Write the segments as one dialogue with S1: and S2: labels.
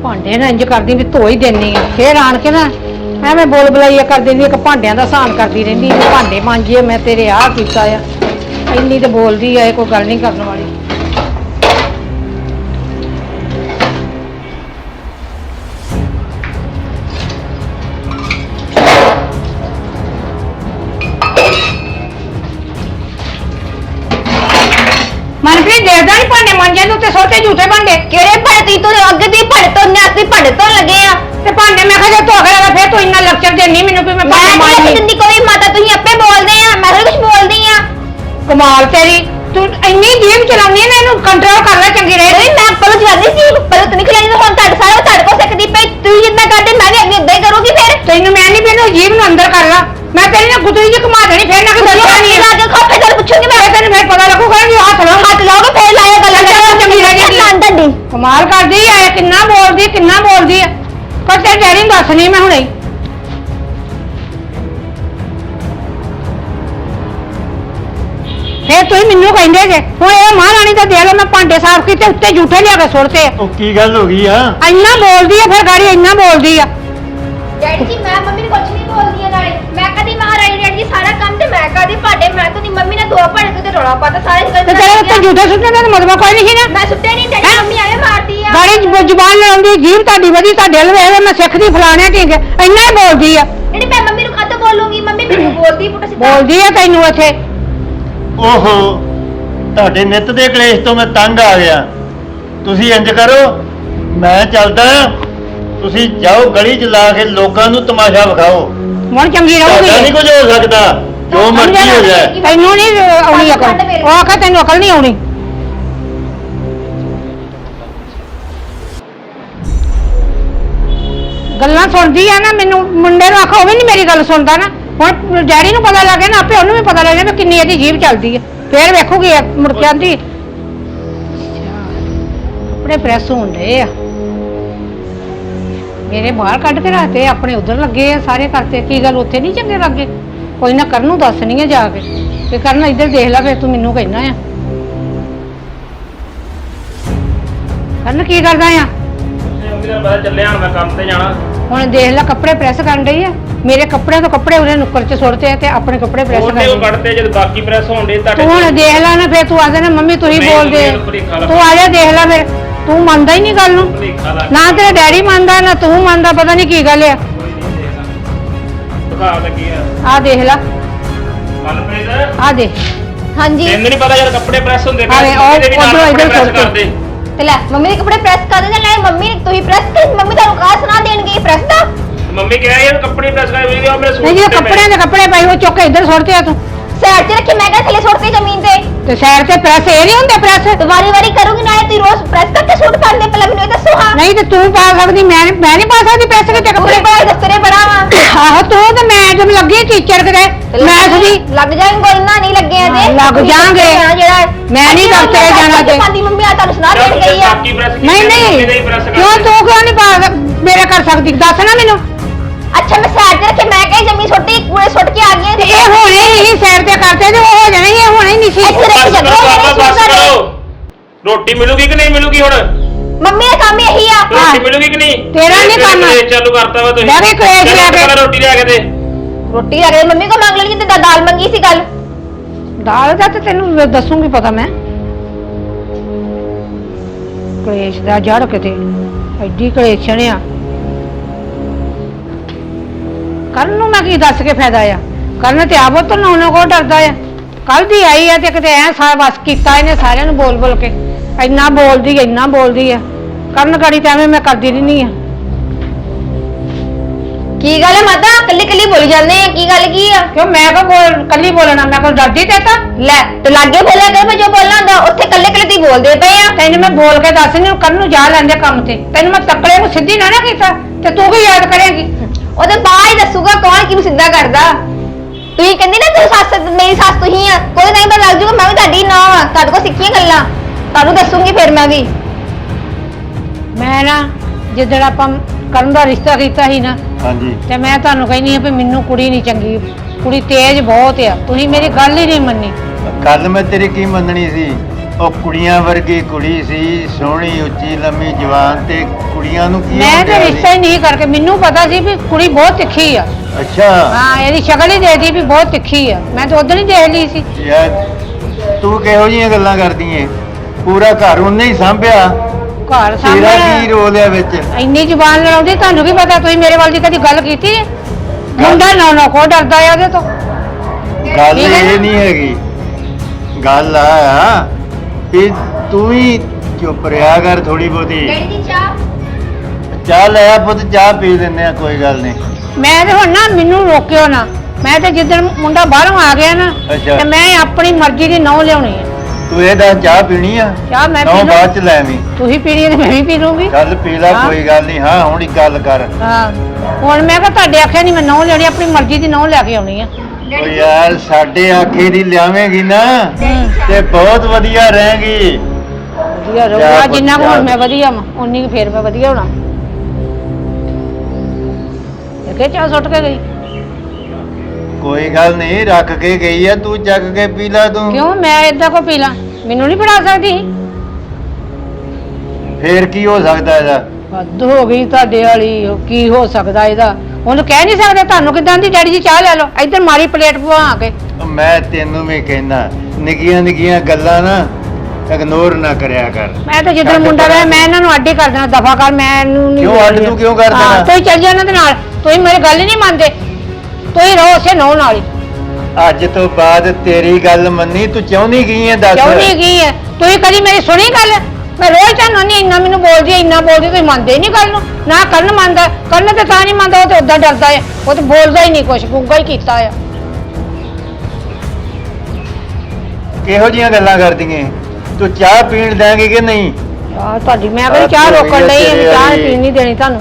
S1: ਭਾਂਡੇ ਨਾ ਇੰਜ ਕਰਦੀ ਵੀ ਧੋ ਹੀ ਦੇਣੀ ਆ, ਫੇਰ ਆਣ ਕੇ ਨਾ ਐਵੇਂ ਬੋਲ ਬੁਲਾਈਆ ਕਰ ਦਿੰਦੀ, ਇੱਕ ਭਾਂਡਿਆਂ ਦਾ ਸਾਨ ਕਰਦੀ ਰਹਿੰਦੀ ਵੀ ਭਾਂਡੇ ਮਾਂਜੀਏ, ਮੈਂ ਤੇਰੇ ਆਹ ਕੀਤਾ ਆ। ਇੰਨੀ ਤੇ ਬੋਲਦੀ ਆ, ਇਹ ਕੋਈ ਗੱਲ ਨਹੀਂ ਕਰਨ ਵਾਲੀ। ਮਨਪ੍ਰੀਤ ਦੇਖਦਾ ਨਹੀਂ ਭਾਂਡੇ ਮਾਂਜੇ ਨੂੰ ਤੇ ਸੋਤੇ ਝੂਠੇ ਭਾਂਡੇ
S2: ਕਿਹੜੇ ਭਾਂਡੇ ਤੂੰ ਅੱਗੇ ਦੀ ਭਾਂਡੇ ਤੋਂ ਅਸੀਂ ਭਾਂਡੇ ਤੋਂ ਲੱਗੇ ਆ
S1: ਤੇ ਭਾਂਡੇ ਮੈਂ ਕਿਹਾ ਜੇ ਧੋ ਕੇ ਲਗਾ, ਫੇਰ ਤੂੰ ਇੰਨਾ ਲੈਕਚਰ ਦੇਣੀ ਮੈਨੂੰ ਵੀ ਮੈਂ ਭਾਂਡੇ
S2: ਮੈਂ
S1: ਮਾਂਜਣੀ।
S2: ਨਹੀਂ ਕੋਈ ਮਾਤਾ ਤੁਸੀਂ ਆਪੇ ਬੋਲਦੇ ਆ, ਮੈਂ ਕੁਝ ਬੋਲਦੀ ਆ।
S1: ਕਮਾਲ ਤੇਰੀ, ਤੂੰ ਇੰਨੀ ਜੀਭ ਚਲਾਉਣੀ ਹੈ ਨਾ, ਇਹਨੂੰ ਕੰਟਰੋਲ ਕਰ ਲੈ ਚੰਗੀ ਰਹੇ।
S2: ਨਹੀਂ ਮੈਂ ਪਹਿਲਾਂ ਜਵਾਨੀ ਸੀ, ਪਹਿਲਾਂ ਤੂੰ ਨਹੀਂ ਖਿਲਾਈ, ਹੁਣ ਤੁਹਾਡੇ ਕੋਲ ਸਿੱਖਦੀ ਪਈ। ਤੂੰ ਜਿੰਨਾ ਕਰਦੇ ਮੈਂ ਵੀ ਅੱਗੇ ਇਦਾਂ ਹੀ ਕਰੂੰਗੀ। ਫਿਰ
S1: ਤੈਨੂੰ ਮੈਂ ਨਹੀਂ ਪੀਣੂ, ਜੀਭ ਨੂੰ ਅੰਦਰ ਕਰ ਲਾ। ਮੈਂ ਤੇਰੀ ਨਾ ਗੁੱਤਰੀ ਜੀ ਘੁਮਾ ਦੇਣੀ, ਫੇਰ ਨਾ ਕਿ ਦੱਸਿਆ ਨਹੀਂ
S2: ਲਾ ਕੇ ਖਾਪੇ ਚੱਲ ਪੁੱਛੂਗੀ ਮੈਂ।
S1: ਤੈਨੂੰ ਫੇਰ ਪਤਾ ਲੱਗੂਗਾ ਕਿ ਹੱਥ
S2: ਲਾਓਗੇ ਫੇਰ ਲਾਇਆ ਗੱਲਾਂ
S1: ਚੰਗੀ
S2: ਲੱਗੇਗੀ।
S1: ਕਮਾਲ ਕਰਦੀ ਆ, ਕਿੰਨਾ ਬੋਲਦੀ ਆ। ਪਰ ਤੇਰੇ ਡੈਡੀ ਨੂੰ ਦੱਸਣੀ ਮੈਂ ਹੁਣੇ। ਫੇਰ ਤੁਸੀਂ ਮੈਨੂੰ ਕਹਿੰਦੇ ਜੇ ਹੁਣ ਇਹ ਮਹਾਰਾਣੀ ਦਾ ਦੇ ਲੋ, ਮੈਂ ਭਾਂਡੇ ਸਾਫ਼ ਕੀਤੇ, ਉੱਤੇ ਝੂਠੇ ਲਿਆ ਕੇ ਸੁੱਟਦੇ ਆ।
S3: ਉਹ ਕੀ ਗੱਲ ਹੋ ਗਈ ਆ?
S1: ਇੰਨਾ ਬੋਲਦੀ ਆ, ਫਿਰ ਗਾੜੀ ਇੰਨਾ ਬੋਲਦੀ ਆ।
S2: ਡੈਡੀ ਜੀ ਮੈਂ ਮੰਮੀ ਨੂੰ ਕੁਝ ਨਹੀਂ ਬੋਲਦੀ ਆ, ਨਾਲੇ ਮੈਂ ਕਦੀ ਮਹਾਰਾਣੀ ਡੈਡੀ ਜੀ ਸਾਰਾ ਕੰਮ ਤੇ ਮੈਂ ਕਰਦੀ, ਭਾਂਡੇ ਮੈਂ ਤੋਂ ਨਹੀਂ। ਮੰਮੀ ਨੇ ਦੋ ਭਾਂਡੇ ਤੇ ਰੌਲਾ ਪਾਤਾ ਸਾਰੇ।
S1: ਤੇ ਤੇਰੇ ਉੱਤੇ ਝੂਠੇ ਸੁੱਟਣ ਦਾ ਮਤਲਬ ਕੋਈ ਨਹੀਂ ਨਾ।
S2: ਮੈਂ ਸੁੱਟੇ ਨਹੀਂ ਡੈਡੀ, ਮੰਮੀ ਐਵੇਂ ਮਾਰਦੀ ਆ।
S1: ਗਾੜੀ ਜ਼ੁਬਾਨ ਲੜਾਉਂਦੀ, ਜੀਭ ਤੁਹਾਡੀ ਵਧੀ, ਤੁਹਾਡੇ ਵੱਲ ਵੇਖ ਮੈਂ ਸਿੱਖਦੀ ਫਲਾਣੇ ਠੀਕ ਹੈ, ਇੰਨਾ ਹੀ ਬੋਲਦੀ ਆ।
S2: ਜਿਹੜੀ ਮੈਂ ਮੰਮੀ ਨੂੰ ਕਾਹਤੋਂ ਬੋਲੂੰਗੀ? ਮੰਮੀ ਮੈਨੂੰ ਬੋਲਦੀ ਪੁੱਟ ਸਿੱਧਾ
S1: ਬੋਲਦੀ ਆ ਤੈਨੂੰ ਇੱਥੇ।
S3: ਓਹੋ, ਤੁਹਾਡੇ ਨਿੱਤ ਦੇ ਕਲੇਸ਼ ਤੋਂ ਮੈਂ ਤੰਗ ਆ ਗਿਆ। ਤੁਸੀਂ ਇੰਜ ਕਰੋ, ਮੈਂ ਚੱਲਦਾ, ਤੁਸੀਂ ਜਾਓ ਗਲੀ 'ਚ ਲਾ ਕੇ ਲੋਕਾਂ ਨੂੰ ਤਮਾਸ਼ਾ ਵਿਖਾਓ।
S1: ਹੁਣ ਚੰਗੀ ਰਹੂਗੀ।
S3: ਨਹੀਂ ਕੁਝ ਹੋ ਸਕਦਾ, ਜੋ ਮਰਜ਼ੀ ਹੋ ਜਾਏ।
S1: ਤੈਨੂੰ ਨਹੀਂ ਆਉਣੀ ਅਕਲ, ਉਹ ਆਖਾ ਤੈਨੂੰ ਅਕਲ ਨਹੀਂ ਆਉਣੀ। ਗੱਲਾਂ ਸੁਣਦੀ ਆ ਨਾ, ਮੈਨੂੰ ਮੁੰਡੇ ਨੂੰ ਆਖਾ ਉਹ ਵੀ ਨਹੀਂ ਮੇਰੀ ਗੱਲ ਸੁਣਦਾ ਨਾ। ਹੁਣ ਡੈਡੀ ਨੂੰ ਪਤਾ ਲੱਗ ਗਿਆ ਨਾ, ਆਪੇ ਉਹਨੂੰ ਵੀ ਪਤਾ ਲੱਗ ਗਿਆ ਵੀ ਕਿੰਨੀ ਇਹਦੀ ਜੀਭ ਚੱਲਦੀ ਹੈ। ਫੇਰ ਵੇਖੂਗੀ ਮੁੜ ਕੇ ਆਂਦੀ ਕੱਪੜੇ ਪ੍ਰੈਸ ਹੋਣ ਡਏ ਆ ਮੇਰੇ, ਬਾਹਰ ਕੱਢ ਕੇ ਰੱਖਤੇ, ਆਪਣੇ ਉਧਰ ਲੱਗੇ ਆ ਸਾਰੇ ਕਰਤੇ। ਕੀ ਗੱਲ ਉੱਥੇ ਨਹੀਂ ਚੰਗੇ ਲੱਗੇ? ਕੋਈ ਨਾ ਕਰਨ ਨੂੰ ਦੱਸਣੀ ਆ ਜਾ ਕੇ ਤੇ ਕਰਨ ਇੱਧਰ ਦੇਖ ਲੈ, ਫੇਰ ਤੂੰ ਮੈਨੂੰ ਕਹਿਣਾ ਆ। ਕਰਨ ਕੀ ਕਰਦਾ ਆ?
S4: ਮੰਮੀ ਦਾ ਪਤਾ ਚੱਲਿਆ, ਹੁਣ ਮੈਂ ਕੰਮ ਤੇ ਜਾਣਾ।
S1: ਹੁਣ ਦੇਖ ਲੈ ਕੱਪੜੇ ਪ੍ਰੈਸ ਕਰਨ ਡਈ ਆ। ਮੇਰੇ ਕੱਪੜਿਆਂ ਤੋਂ ਕੱਪੜੇ ਉਹਨੇ ਨੁੱਕਰ 'ਚ ਸੁੱਟਦੇ ਆ ਤੇ ਆਪਣੇ ਕੱਪੜੇ ਪ੍ਰੈਸ
S4: ਉਹਨੇ ਉਹ
S1: ਕਰਦੇ।
S4: ਕੱਢਤੇ ਜਦ ਬਾਕੀ ਪ੍ਰੈਸ ਹੋਣ ਦੇ ਤੁਹਾਡੇ।
S1: ਤੂੰ ਹੁਣ ਦੇਖ ਲੈ ਨਾ, ਫੇਰ ਤੂੰ ਆਖਦੇ ਨਾ ਮੰਮੀ ਤੁਸੀਂ
S4: ਨਹੀਂ,
S1: ਬੋਲਦੇ।
S4: ਮੰਮੀ ਨੂੰ ਭੁਲੇਖਾ ਲੱਗਾ।
S1: ਤੂੰ ਆ ਜਾ ਦੇਖ ਲੈ, ਫੇਰ ਤੂੰ ਮੰਨਦਾ ਹੀ ਨਹੀਂ ਗੱਲ ਨੂੰ।
S4: ਭੁਲੇਖਾ ਲੱਗ
S1: ਨਾ ਤੇਰਾ ਡੈਡੀ ਮੰਨਦਾ ਨਾ ਤੂੰ ਮੰਨਦਾ, ਪਤਾ ਨਹੀਂ ਕੀ ਗੱਲ ਆ।
S4: ਦਿਖਾ ਲੱਗੀ ਆ
S1: ਆ ਦੇਖ ਲੈ,
S4: ਮਨਪ੍ਰੀਤ,
S1: ਆ ਦੇਖ।
S2: ਹਾਂਜੀ
S4: ਤੈਨੂੰ ਨਹੀਂ ਪਤਾ ਯਾਰ ਕੱਪੜੇ ਪ੍ਰੈਸ ਹੁੰਦੇ
S1: ਅਰੇ ਉਹ
S4: ਇਹਦੇ ਵੀ ਨਾਲ
S1: ਉੱਧਰੋਂ
S4: ਕੱਪੜੇ
S1: ਇੱਧਰ
S4: ਪ੍ਰੈਸ
S1: ਸੁੱਟ।
S4: ਕਰਦੇ।
S2: ਤੇ ਲੈ ਮੰਮੀ ਦੇ ਕੱਪੜੇ ਪ੍ਰੈਸ ਕਰ ਦਿੰਦੇ, ਲੈ ਮੰਮੀ ਨੇ ਤੁਸੀਂ ਪ੍ਰੈਸ ਕਰ, ਮੰਮੀ ਤੁਹਾਨੂੰ ਕਾਹ ਸੁਣਾ ਦੇਣਗੇ ਪ੍ਰੈਸ ਦਾ?
S4: ਮੰਮੀ ਕਹਿ ਯਾਰ ਕੱਪੜੇ ਪ੍ਰੈਸ ਕਰ ਵੀ ਉਹ ਮੇਰੇ ਸੂਟ
S1: ਨਹੀਂ ਜਿਹੜੇ
S4: ਤੇ
S1: ਕੱਪੜਿਆਂ ਦੇ ਕੱਪੜੇ ਪਏ ਉਹ ਚੁੱਕ ਕੇ ਇੱਧਰ ਸੁੱਟਦੇ ਆ ਤੂੰ।
S2: ਸਾਈਡ ਤੇ ਰੱਖੀ, ਮੈਂ ਕਿਹਾ ਥੱਲੇ ਸੁੱਟਦੇ ਜ਼ਮੀਨ ਤੇ।
S1: ਤੇ ਸਾਈਡ ਤੇ ਪ੍ਰੈਸ ਇਹ ਨਹੀਂ ਹੁੰਦੇ ਪ੍ਰੈਸ?
S2: ਤੇ ਵਾਰੀ ਕਰੂੰਗੀ, ਨਾਲੇ ਤੁਸੀਂ ਰੋਜ਼ ਪ੍ਰੈਸ ਕਰਕੇ ਸੂਟ ਪਾਉਂਦੇ, ਪਹਿਲਾਂ ਮੈਨੂੰ ਇਹ ਦੱਸੋ। ਹਾਂ
S1: ਨਹੀਂ ਤੇ ਤੂੰ ਪਾ ਸਕਦੀ, ਮੈਂ ਨਹੀਂ ਪਾ ਸਕਦੀ ਪ੍ਰੈਸ ਕਿਤੇ
S2: ਕੱਪੜੇ
S1: ਕੱਪੜੇ।
S2: ਬੜਾ ਦਸਤਰੇ ਬੜਾ ਵਾ।
S1: ਆਹੋ ਤੂੰ ਤੇ ਮੈਂ ਜਦ ਲੱਗੀ ਟੀਚਰ ਕਿਤੇ ਮੈਥ ਦੀ।
S2: ਲੱਗ ਜਾਏਗਾ, ਕੋਈ ਨਾ ਨਹੀਂ ਲੱਗੇ ਅਜੇ।
S1: ਲੱਗ ਜਾਣਗੇ।
S2: ਜਿਹੜਾ
S1: ਮੈਂ ਨਹੀਂ ਦਫ਼ਤਰੇ ਜਾਣਾ ਤੇ।
S2: ਪਾਦੀ ਮੰਮੀ ਆ ਤੁਹਾਨੂੰ ਸੁਣਾ ਦੇਣ ਗਈ ਆ।
S4: ਬਾਕੀ ਪ੍ਰੈਸ
S1: ਨਹੀਂ ਕਿਉਂ ਤੂੰ ਕਿਉਂ ਨਹੀਂ ਪਾ ਮੇਰੇ ਕਰ ਸਕਦੀ? ਦੱਸ ਨਾ ਮੈਨੂੰ।
S2: ਅੱਛਾ ਮੈਂ ਸਾਈਡ ਤੇ ਰੱਖੇ, ਮੈਂ ਕਹੀ ਜ਼ਮੀਨ ਸੁੱਟੀ, ਕੂੜੇ ਸੁੱਟ ਕੇ ਆ ਗਈ
S1: ਤੇ ਇਹ ਹੋਣੇ ਹੀ ਸਾਈਡ ਤੇ ਕਰਤੇ ਤੇ ਉਹ ਹੋ ਜਾਣੇ, ਇਹ ਹੋਣੇ ਹੀ ਨਹੀਂ ਸੀ।
S2: ਇੱਥੇ ਰੱਖੀ
S4: ਬਸ
S2: ਜਗ੍ਹਾ
S4: ਕਰੋ,
S2: ਨਹੀਂ
S4: ਬਸ ਕਰੋ। ਰੋਟੀ ਮਿਲੂਗੀ ਕਿ ਨਹੀਂ ਮਿਲੂਗੀ ਹੁਣ?
S2: ਮੰਮੀ ਦਾ ਕੰਮ ਇਹੀ ਆ।
S4: ਰੋਟੀ ਮਿਲੂਗੀ ਕਿ ਨਹੀਂ?
S1: ਤੇਰਾ ਨੀ ਕੰਮ।
S4: ਚਾਲੂ ਕਰਤਾ ਵਾ ਤੁਸੀਂ।
S1: ਲੈ ਕੇ ਕਲੇਸ਼ ਲੈ ਕੇ।
S4: ਪਹਿਲਾਂ ਰੋਟੀ ਲਿਆ ਕੇ ਦੇ।
S2: ਰੋਟੀ ਆ ਗਈ, ਮੰਮੀ ਕੋ ਮੰਗ ਲਈ ਤੇ ਦਾਲ ਮੰਗੀ ਸੀ ਕੱਲ।
S1: ਦਾਲ ਦਾ ਤੇ ਤੈਨੂੰ ਦੱਸੂਗੀ ਪਤਾ ਮੈਂ। ਕਲੇਸ਼ ਦਾ ਜੜ ਕਿਤੇ ਐਡੀ ਕਲੇਸ਼ਣ ਆ। ਕਰਨ ਨੂੰ ਮੈਂ ਕੀ ਦੱਸ ਕੇ ਫਾਇਦਾ ਆ? ਕਰਨ ਤੇ ਆਪ ਤੋਂ ਨਾ ਕੋ ਡਰਦਾ ਆ। ਕੱਲ ਦੀ ਆਈ ਆ ਤੇ ਕਿਤੇ ਐ ਸਾਰਾ ਬਸ ਕੀਤਾ ਇਹਨੇ ਸਾਰਿਆਂ ਨੂੰ ਬੋਲ ਕੇ। ਇੰਨਾ ਬੋਲਦੀ ਆ। ਕਰਨ ਗਾੜੀ ਤੇ ਐਵੇਂ ਮੈਂ ਕਰਦੀ ਰਹਿੰਦੀ ਆ।
S2: ਕੀ ਗੱਲ ਹੈ ਮਾਤਾ, ਕੱਲੀ ਬੋਲੀ ਜਾਂਦੇ ਆ? ਕੀ ਗੱਲ ਕੀ ਆ?
S1: ਕਿਉਂ ਮੈਂ ਕੋ ਕੱਲੀ ਬੋਲਣਾ? ਮੈਂ ਕੋ ਡਰਦੀ ਤੇ ਤਾਂ
S2: ਲੈ ਤੇ ਲਾਗੇ ਬੋਲਿਆ ਕਰ, ਮੈਂ ਜੋ ਬੋਲਣਾ ਹੁੰਦਾ ਉੱਥੇ ਕੱਲੇ ਦੀ ਬੋਲਦੇ ਪਏ ਆ।
S1: ਤੈਨੂੰ ਮੈਂ ਬੋਲ ਕੇ ਦੱਸ ਨਹੀਂ, ਕਰਨ ਨੂੰ ਜਾ ਲੈਂਦੇ ਕੰਮ ਤੇ। ਤੈਨੂੰ ਮੈਂ ਤੱਕੜੇ ਨੂੰ ਸਿੱਧੀ ਨਾ ਕੀਤਾ ਤੇ ਤੂੰ ਕੀ ਯਾਦ ਕਰੇਂਗੀ?
S2: ਉਹਦੇ ਬਾਅਦ ਹੀ ਦੱਸੂਗਾ ਕੌਣ ਕਿਹਨੂੰ ਸਿੱਧਾ ਕਰਦਾ। ਤੁਸੀਂ ਕਹਿੰਦੀ ਨਾ ਤੂੰ ਸੱਸ, ਮੇਰੀ ਸੱਸ ਤੁਸੀਂ ਆ, ਕੋਈ ਨਹੀਂ ਪਤਾ ਲੱਗ ਜੂਗਾ ਮੈਂ ਵੀ ਤੁਹਾਡੀ ਨਾ ਆ, ਤੁਹਾਡੇ ਕੋਲ ਸਿੱਖੀਆਂ ਗੱਲਾਂ ਤੁਹਾਨੂੰ ਦੱਸੂਗੀ ਫਿਰ ਮੈਂ ਵੀ।
S1: ਮੈਂ ਨਾ ਜਿੱਦਣ ਆਪਾਂ ਕਰਨ ਦਾ ਰਿਸ਼ਤਾ ਕੀਤਾ ਸੀ ਨਾ,
S3: ਹਾਂਜੀ,
S1: ਤੇ ਮੈਂ ਤੁਹਾਨੂੰ ਕਹਿੰਦੀ ਆ ਵੀ ਮੈਨੂੰ ਕੁੜੀ ਨਹੀਂ ਚੰਗੀ, ਕੁੜੀ ਤੇਜ਼ ਬਹੁਤ ਆ। ਤੁਸੀਂ ਮੇਰੀ ਗੱਲ ਹੀ ਨਹੀਂ ਮੰਨੀ।
S3: ਕੱਲ ਮੈਂ ਤੇਰੀ ਕੀ ਮੰਨਣੀ ਸੀ? ਉਹ ਕੁੜੀਆਂ ਵਰਗੀ ਕੁੜੀ ਸੀ, ਸੋਹਣੀ ਉੱਚੀ ਲੰਮੀ ਜਵਾਨ, ਤੇ ਕੁੜੀਆਂ ਨੂੰ ਕੀ
S1: ਮੈਂ
S3: ਹੋ
S1: ਤੇ
S3: ਗਿਆ
S1: ਰਿਸ਼ਤਾ ਹੀ ਨਹੀਂ ਕਰਕੇ, ਮੈਨੂੰ ਪਤਾ ਸੀ ਵੀ ਕੁੜੀ ਬਹੁਤ ਤਿੱਖੀ ਆ।
S3: ਅੱਛਾ
S1: ਹਾਂ, ਇਹਦੀ ਸ਼ਕਲ ਹੀ ਦੇਖਦੀ ਵੀ ਬਹੁਤ ਤਿੱਖੀ ਆ, ਮੈਂ ਤਾਂ ਉਦੋਂ ਹੀ ਦੇਖ ਲਈ ਸੀ।
S3: ਯਾਰ ਤੂੰ ਕਿਹੋ ਜਿਹੀਆਂ ਗੱਲਾਂ ਕਰਦੀ ਏ? ਪੂਰਾ ਘਰ ਉਹਨੇ ਹੀ ਸਾਂਭਿਆ,
S1: ਘਰ
S3: ਤੇਰਾ ਕੀ
S1: ਸਾਹਮਣੇ
S3: ਰੋਲ ਹੈ ਵਿੱਚ?
S1: ਇੰਨੀ ਜ਼ੁਬਾਨ ਲੜਾਉਂਦੀ, ਤੁਹਾਨੂੰ ਕੀ ਪਤਾ? ਤੁਸੀਂ ਮੇਰੇ ਵੱਲ ਦੀ ਕਦੀ ਗੱਲ ਕੀਤੀ ਹੈ? ਮੁੰਡਾ ਨਾ ਕੋ ਡਰਦਾ ਆ ਉਹਦੇ ਤੋਂ।
S3: ਗੱਲ
S1: ਠੀਕ ਹੈ ਨਾ?
S3: ਇਹ ਨਹੀਂ ਹੈਗੀ, ਗੱਲ ਆ ਵੀ ਤੂੰ ਹੀ ਚੁੱਪ ਰਿਹਾ ਕਰ ਥੋੜੀ ਬਹੁਤੀ।
S2: ਡੈਡੀ ਦੀ ਚਾਹ।
S3: ਚਾਹ ਲੈ ਆ ਪੁੱਤ, ਚਾਹ ਪੀ ਲੈਂਦੇ ਆ, ਕੋਈ ਗੱਲ ਨਹੀਂ।
S1: ਮੈਂ ਤੇ ਹੁਣ ਨਾ, ਮੈਨੂੰ ਰੋਕਿਓ ਨਾ। ਮੈਂ ਤੇ ਜਿੱਦਣ ਮੁੰਡਾ ਬਾਹਰੋਂ ਆ ਗਿਆ ਨਾ,
S3: ਅੱਛਾ।
S1: ਤੇ ਮੈਂ ਆਪਣੀ ਮਰਜ਼ੀ ਦੀ ਨਹੁੰ ਲਿਆਉਣੀ ਹੈ।
S3: ਤੂੰ ਇਹ ਦੱਸ, ਚਾਹ ਪੀਣੀ ਆ?
S1: ਚਾਹ ਮੈਂ
S3: ਨਹੁੰ
S1: ਪੀ ਲੂੰ।
S3: ਬਾਅਦ ਚ ਲੈ ਆਵੀਂ।
S1: ਤੁਸੀਂ ਪੀਣੀ ਹੈ ਤੇ ਮੈਂ ਵੀ ਪੀ ਲੂੰਗੀ।
S3: ਚੱਲ ਪੀ ਲੈ,
S1: ਹਾਂ।
S3: ਕੋਈ ਗੱਲ ਨਹੀਂ। ਹਾਂ ਹੁਣ ਇੱਕ ਗੱਲ ਕਰ।
S1: ਹਾਂ, ਹੁਣ ਮੈਂ ਕਿਹਾ ਤੁਹਾਡੇ ਆਖਿਆ ਨਹੀਂ ਮੈਂ ਨਹੁੰ ਲੈਣੀ, ਆਪਣੀ ਮਰਜ਼ੀ ਦੀ ਨਹੁੰ ਲੈ ਕੇ ਆਉਣੀ ਆ।
S3: ਓ ਯਾਰ ਸਾਡੇ ਆਖੇ ਦੀ ਲਿਆਵੇਂਗੀ ਨਾ ਤੇ ਬਹੁਤ ਵਧੀਆ ਰਹੇਗੀ।
S1: ਵਧੀਆ ਰਹੂਗਾ, ਜਿੰਨਾ ਕੁ ਹੁਣ ਮੈਂ ਵਧੀਆ ਵਾਂ ਉਨੀ ਕੁ ਫੇਰ ਮੈਂ ਵਧੀਆ ਹੋਣਾ। ਦੇਖੇ ਚਾਹ ਸੁੱਟ ਕੇ ਗਈ।
S3: ਕੋਈ ਗੱਲ ਨਹੀਂ, ਰੱਖ ਕੇ ਗਈ ਆ, ਤੂੰ ਚੱਕ ਕੇ ਪੀ ਲੈ ਤੂੰ।
S1: ਕਿਉਂ ਮੈਂ ਏਦਾਂ ਕੋ ਪੀ ਲਾਂ? ਮੈਨੂੰ ਨਹੀਂ ਫੜਾ ਸਕਦੀ?
S3: ਫੇਰ ਕੀ ਹੋ ਸਕਦਾ ਇਹਦਾ?
S1: ਹੱਦ ਹੋ ਗਈ ਤੁਹਾਡੇ ਵਾਲੀ। ਉਹ ਕੀ ਹੋ ਸਕਦਾ ਇਹਦਾ? ਉਹਨੂੰ ਕਹਿ ਨਹੀਂ ਸਕਦੇ ਤੁਹਾਨੂੰ ਕਿਦਾਂ ਦੀ ਡੈਡੀ ਜੀ ਚਾਹ ਲੈ ਲਓ, ਇੱਧਰ ਮਾਰੀ ਪਲੇਟ ਪਵਾ ਕੇ।
S3: ਮੈਂ ਤੈਨੂੰ ਵੀ ਕਹਿਣਾ, ਨਿੱਕੀਆਂ ਨਿੱਕੀਆਂ ਗੱਲਾਂ ਨਾ ਇਗਨੋਰ ਨਾ ਕਰਿਆ ਕਰ।
S1: ਮੈਂ ਤਾਂ ਜਿੱਦਣ ਮੁੰਡਾ ਰਿਹਾ ਮੈਂ ਇਹਨਾਂ ਨੂੰ ਅੱਡ ਹੀ ਕਰ ਦੇਣਾ, ਦਫਾ ਕਰ। ਮੈਨੂੰ ਨਹੀਂ
S3: ਕਿਉਂ ਅੱਡ? ਤੂੰ ਕਿਉਂ ਕਰ ਦੇਣਾ?
S1: ਤੁਸੀਂ ਚੱਲ ਜਾ ਇਹਨਾਂ ਦੇ ਨਾਲ। ਤੁਸੀਂ ਮੇਰੀ ਗੱਲ ਹੀ ਨਹੀਂ ਮੰਨਦੇ, ਤੁਸੀਂ ਰਹੋ ਉਸੇ ਨਹੁੰ ਨਾਲ ਹੀ।
S3: ਅੱਜ ਤੋਂ ਬਾਅਦ ਤੇਰੀ ਗੱਲ ਮੰਨੀ, ਤੂੰ ਚਾਹੁੰਦੀ ਕੀ ਹੈ ਦੱਸ?
S1: ਕਿਉਂ ਨਹੀਂ ਕੀ ਹੈ? ਤੁਸੀਂ ਕਦੀ ਮੇਰੀ ਸੁਣੀ ਗੱਲ? ਮੈਂ ਰੋਜ਼ ਤੁਹਾਨੂੰ ਨਹੀਂ ਇੰਨਾ ਮੈਨੂੰ ਬੋਲਦੀ ਹੈ, ਇੰਨਾ ਬੋਲਦੀ, ਤੁਸੀਂ ਮੰਨਦੇ ਹੀ ਨਹੀਂ ਗੱਲ ਨੂੰ। ਨਾ ਕਰਨ ਮੰਨਦਾ, ਕਰਨ ਤੇ ਤਾਂ ਨਹੀਂ ਮੰਨਦਾ, ਉਹ ਤੇ ਉਦਾਂ ਡਰਦਾ ਹੈ, ਉਹ ਤੇ ਬੋਲਦਾ ਹੀ ਨਹੀਂ ਕੁਛ, ਗੁੱਗਾ ਹੀ ਕੀਤਾ ਆ।
S3: ਕਿਹੋ ਜੀਆਂ ਗੱਲਾਂ ਕਰਦੀਆਂ? ਤੂੰ ਚਾਹ ਪੀਣ ਦੇਂਗੀ ਕਿ ਨਹੀਂ?
S1: ਯਾਰ ਤੁਹਾਡੀ ਮੈਂ ਕਹਿੰਦੀ ਚਾਹ ਰੋਕਣ ਲਈ, ਚਾਹ ਪੀਣ ਨਹੀਂ ਦੇਣੀ ਤੁਹਾਨੂੰ।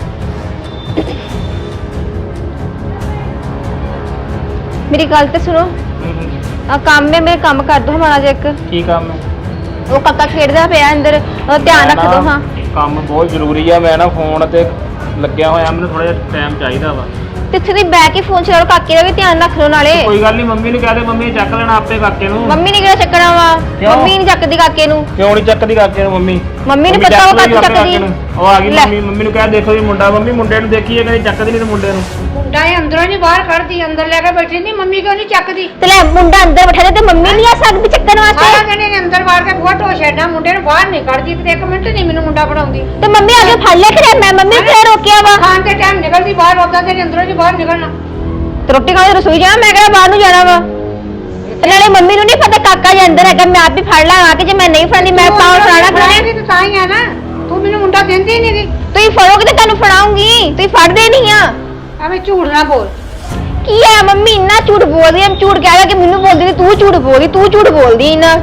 S2: ਮੇਰੀ ਗੱਲ ਤੇ ਸੁਣੋ। ਆ ਕੰਮ ਹੈ, ਮੇਰੇ ਕੰਮ ਕਰ ਦੋ ਹਮਾਰਾ ਜੇ ਇੱਕ।
S4: ਕੀ ਕੰਮ ਹੈ?
S2: ਉਹ ਕਾਕਾ ਖੇਡਦਾ ਪਿਆ ਅੰਦਰ, ਉਹ ਧਿਆਨ ਰੱਖ ਦੋ। ਹਾਂ,
S4: ਕੰਮ ਬਹੁਤ ਜ਼ਰੂਰੀ ਆ, ਮੈਂ ਨਾ ਫੋਨ ਤੇ ਲੱਗਿਆ ਹੋਇਆ, ਮੈਨੂੰ ਥੋੜਾ ਜਿਹਾ ਟਾਈਮ ਚਾਹੀਦਾ ਵਾ।
S2: ਤੇ ਇੱਥੇ ਦੀ ਬਹਿ ਕੇ ਫੋਨ ਚਲਾ ਲਓ, ਕਾਕੇ ਦਾ ਵੀ ਧਿਆਨ ਰੱਖ ਲਓ ਨਾਲੇ।
S4: ਕੋਈ ਗੱਲ ਨਹੀਂ, ਮੰਮੀ ਨੂੰ ਕਹਿ ਦੇ, ਮੰਮੀ ਨੇ ਚੱਕ ਲੈਣਾ ਆਪੇ ਕਾਕੇ ਨੂੰ।
S2: ਮੰਮੀ ਨੇ ਕਿਹੜਾ ਚੱਕਣਾ ਵਾ?
S4: ਕਿਉਂ?
S2: ਮੰਮੀ ਨਹੀਂ ਚੱਕਦੀ ਕਾਕੇ ਨੂੰ।
S4: ਕਿਉਂ ਨਹੀਂ ਚੱਕਦੀ ਕਾਕੇ ਨੂੰ? ਮੰਮੀ
S2: ਮੰਮੀ ਨੂੰ ਪਤਾ ਉਹ ਕਾਕੇ ਚੱਕਦੀ।
S4: ਉਹ ਆ ਗਈ
S2: ਲੈ।
S4: ਮੰਮੀ ਨੂੰ ਕਹਿ ਦੇਖੋ ਜੀ ਮੁੰਡਾ, ਮੰਮੀ ਮੁੰਡੇ ਨੂੰ ਦੇਖੀਏ, ਕਹਿੰਦੀ ਚੱਕਦੀ ਨਹੀਂ ਤੇ ਮੁੰਡੇ ਨੂੰ।
S1: ਮੁੰਡਾ ਇਹ ਅੰਦਰੋਂ ਨਹੀਂ ਬਾਹਰ ਕੱਢਦੀ, ਅੰਦਰ ਲੈ ਕੇ ਬੈਠੀ ਨਹੀਂ। ਮੰਮੀ ਕਿਉਂ ਨਹੀਂ ਚੱਕਦੀ?
S2: ਤੇ ਲੈ ਮੁੰਡਾ ਅੰਦਰ ਬਿਠਾ ਦੇ ਤੇ ਮੰਮੀ ਨਹੀਂ ਆ ਸਕਦੀ ਚੱਕਣ
S1: ਸਾਰਾ
S2: ਵਾਸਤੇ।
S1: ਦਿਨ ਇਹਨੇ ਅੰਦਰ ਵਾੜ ਕੇ ਫੋਟੋ ਛੱਡਣਾ, ਮੁੰਡੇ ਨੂੰ ਬਾਹਰ ਨਹੀਂ ਕੱਢਦੀ, ਤੇ ਇੱਕ ਮਿੰਟ ਨਹੀਂ ਮੈਨੂੰ ਮੁੰਡਾ ਫੜਾਉਂਦੀ।
S2: ਤੇ ਮੰਮੀ ਆ ਕੇ ਫੜ ਲਿਆ ਕਰੇ, ਮੈਂ ਮੰਮੀ ਨੂੰ ਕਿਉਂ ਰੋਕਿਆ ਵਾ?
S1: ਖਾਣ ਦੇ ਟਾਈਮ ਨਿਕਲਦੀ ਬਾਹਰ, ਉਦਾਂ ਤੇ ਅੰਦਰੋਂ ਨਹੀਂ ਬਾਹਰ ਨਿਕਲਣਾ।
S2: ਤੇ ਰੋਟੀ ਖਾ ਕੇ ਰਸੋਈ ਜਾਣਾ, ਮੈਂ ਕਿਹੜਾ ਬਾਹਰ ਨੂੰ ਜਾਣਾ ਵਾ? ਤੇ ਨਾਲੇ ਮੰਮੀ ਨੂੰ ਨਹੀਂ ਪਤਾ ਕਾਕਾ ਜੀ ਅੰਦਰ ਹੈਗਾ, ਮੈਂ ਆਪ ਹੀ ਫੜ ਲਾਂ ਆ ਕੇ। ਜੇ ਮੈਂ ਨਹੀਂ ਫੜਨੀ ਮੈਂ ਪਾਉ ਫੜਾਣਾ
S1: ਫੜਾਏਗੀ ਤੇ ਤਾਂ ਹੀ ਆ ਨਾ, ਤੂੰ ਮੈਨੂੰ ਮੁੰਡਾ ਦਿੰਦੀ ਨਹੀਂ ਗੀ।
S2: ਤੁਸੀਂ ਫੜੋਗੇ ਤੇ ਤੁਹਾਨੂੰ ਫੜਾਉਂਗੀ, ਤੁਸੀਂ ਫੜਦੇ ਨਹੀਂ ਆ।
S1: ਐਵੇਂ ਝੂਠ ਨਾ ਬੋਲ।
S2: ਕੀ ਹੈ ਮੰਮੀ ਇੰਨਾ ਝੂਠ ਬੋਲਦੀ ਹੈ? ਝੂਠ ਕਹਿ ਰਿਹਾ ਕਿ ਮੈਨੂੰ ਬੋਲਦੀ, ਤੂੰ ਝੂਠ ਬੋਲਦੀ, ਤੂੰ ਝੂਠ ਬੋਲਦੀ ਇੰਨਾ।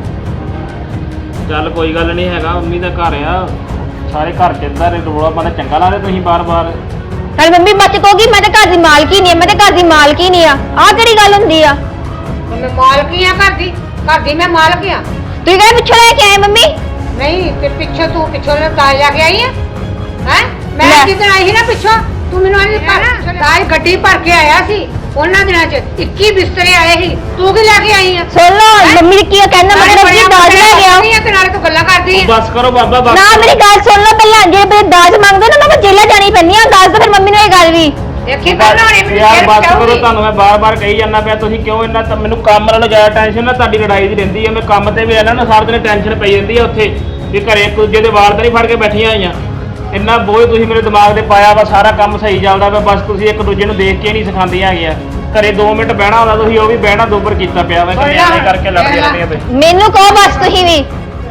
S4: ਚੱਲ ਕੋਈ ਗੱਲ ਨਹੀਂ ਹੈਗਾ, ਮੰਮੀ ਦਾ ਘਰ ਆ, ਸਾਰੇ ਘਰ ਚ ਇਦਾਂ ਰੋਲਾ ਪਾਉਂਦਾ ਚੰਗਾ ਲੱਗਦਾ ਤੁਸੀਂ ਬਾਰ-ਬਾਰ।
S2: ਨਾਲੇ ਮੰਮੀ ਬੱਚ ਕਹੋਗੀ ਮੈਂ ਤਾਂ ਘਰ ਦੀ ਮਾਲਕੀ ਨਹੀਂ ਆ, ਮੈਂ ਤਾਂ ਘਰ ਦੀ ਮਾਲਕੀ ਨਹੀਂ ਆ। ਆਹ ਕਿਹੜੀ ਗੱਲ ਹੁੰਦੀ ਆ?
S1: ਮੈਂ ਮਾਲਕੀ ਆ ਘਰ ਦੀ, ਘਰ ਦੀ ਮੈਂ ਮਾਲਕ ਆ।
S2: ਤੁਸੀਂ ਕਹਿੰਦੇ ਪਿੱਛੋਂ ਲੈ ਕੇ ਆਏ ਮੰਮੀ?
S1: ਨਹੀਂ ਤੇ ਪਿੱਛੋਂ ਤੂੰ ਪਿੱਛੋਂ ਤਾਜ ਲੈ ਕੇ ਆਈ ਹੈ? ਹੈ ਮੈਂ
S2: ਲੈ।
S1: ਜਿੱਦਣ ਆਈ ਸੀ ਨਾ ਪਿੱਛੋਂ, ਤੂੰ ਮੈਨੂੰ ਆਈ ਤਾਜ ਗੱਡੀ ਭਰ ਕੇ ਆਇਆ ਸੀ। ਉਹਨਾਂ ਦਿਨਾਂ 'ਚ 21 ਬਿਸਤਰੇ ਆਏ ਸੀ, ਤੂੰ ਕੀ ਲੈ ਕੇ ਆਈ ਆ?
S2: ਸੁਣ ਲਓ ਮੰਮੀ ਨੇ ਕੀ ਕਹਿੰਦਾ, ਮਤਲਬ ਕਿ ਦਾਜ ਲੈ ਗਿਆ
S1: ਤੇ ਨਾਲੇ ਤੂੰ ਗੱਲਾਂ ਕਰਦੀ ਆ।
S4: ਬਸ ਕਰੋ ਬਾਬਾ, ਬਸ
S2: ਨਾ। ਮੇਰੀ ਗੱਲ ਸੁਣ ਲਓ ਪਹਿਲਾਂ, ਜੇ ਮੇਰੇ ਦਾਜ ਮੰਗਦੇ ਨਾ ਮੈਂ ਜੇਲ੍ਹ ਜਾਣੀ ਪੈਂਦੀ ਆ। ਦੱਸ ਦੋ ਫਿਰ ਮੰਮੀ ਨੂੰ ਇਹ ਗੱਲ ਵੀ।
S1: ਦੇਖੀ ਪਹਿਲਾਂ ਹੁਣੇ ਮੈਨੂੰ
S4: ਯਾਰ
S1: ਫੇਰ
S4: ਬਸ ਕਰੋ,
S1: ਪਚਾਊਗੀ।
S4: ਤੁਹਾਨੂੰ ਮੈਂ ਬਾਰ-ਬਾਰ ਕਹੀ ਜਾਂਦਾ ਪਿਆ, ਤੁਸੀਂ ਕਿਉਂ ਇੰਨਾ ਤਾਂ ਮੈਨੂੰ ਕੰਮ ਨਾਲੋਂ ਜ਼ਿਆਦਾ ਟੈਨਸ਼ਨ ਨਾ ਤੁਹਾਡੀ ਲੜਾਈ ਦੀ ਰਹਿੰਦੀ ਹੈ। ਮੈਂ ਕੰਮ ਤੇ ਵੀ ਇਹਨਾਂ ਨੂੰ ਸਾਰਾ ਦਿਨ ਟੈਨਸ਼ਨ ਪਈ ਜਾਂਦੀ ਹੈ ਉੱਥੇ, ਵੀ ਘਰੇ ਇੱਕ ਦੂਜੇ ਦੇ ਵਾਲ ਤਾਂ ਨਹੀਂ ਫੜ ਕੇ ਬੈਠੀਆਂ ਹੋਈਆਂ। ਇੰਨਾ ਬੋਝ ਤੁਸੀਂ ਮੇਰੇ ਦਿਮਾਗ ਤੇ ਪਾਇਆ ਵਾ, ਸਾਰਾ ਕੰਮ ਸਹੀ ਚੱਲਦਾ ਵਾ, ਬਸ ਤੁਸੀਂ ਇੱਕ ਦੂਜੇ ਨੂੰ ਦੇਖ ਕੇ ਨਹੀਂ ਸਿਖਾਉਂਦੀਆਂ ਹੈਗੀਆਂ। ਘਰੇ 2 ਮਿੰਟ ਬਹਿਣਾ ਹੁੰਦਾ, ਤੁਸੀਂ ਉਹ ਵੀ ਬਹਿਣਾ ਦੋਬਰ ਕੀਤਾ ਪਿਆ ਵਾ, ਕਿ ਐਵੇਂ ਕਰਕੇ ਲੜਦੀਆਂ ਰਹਿੰਦੀਆਂ ਤੇ।
S2: ਮੈਨੂੰ ਕਹੋ ਬਸ ਤੁਸੀਂ ਵੀ।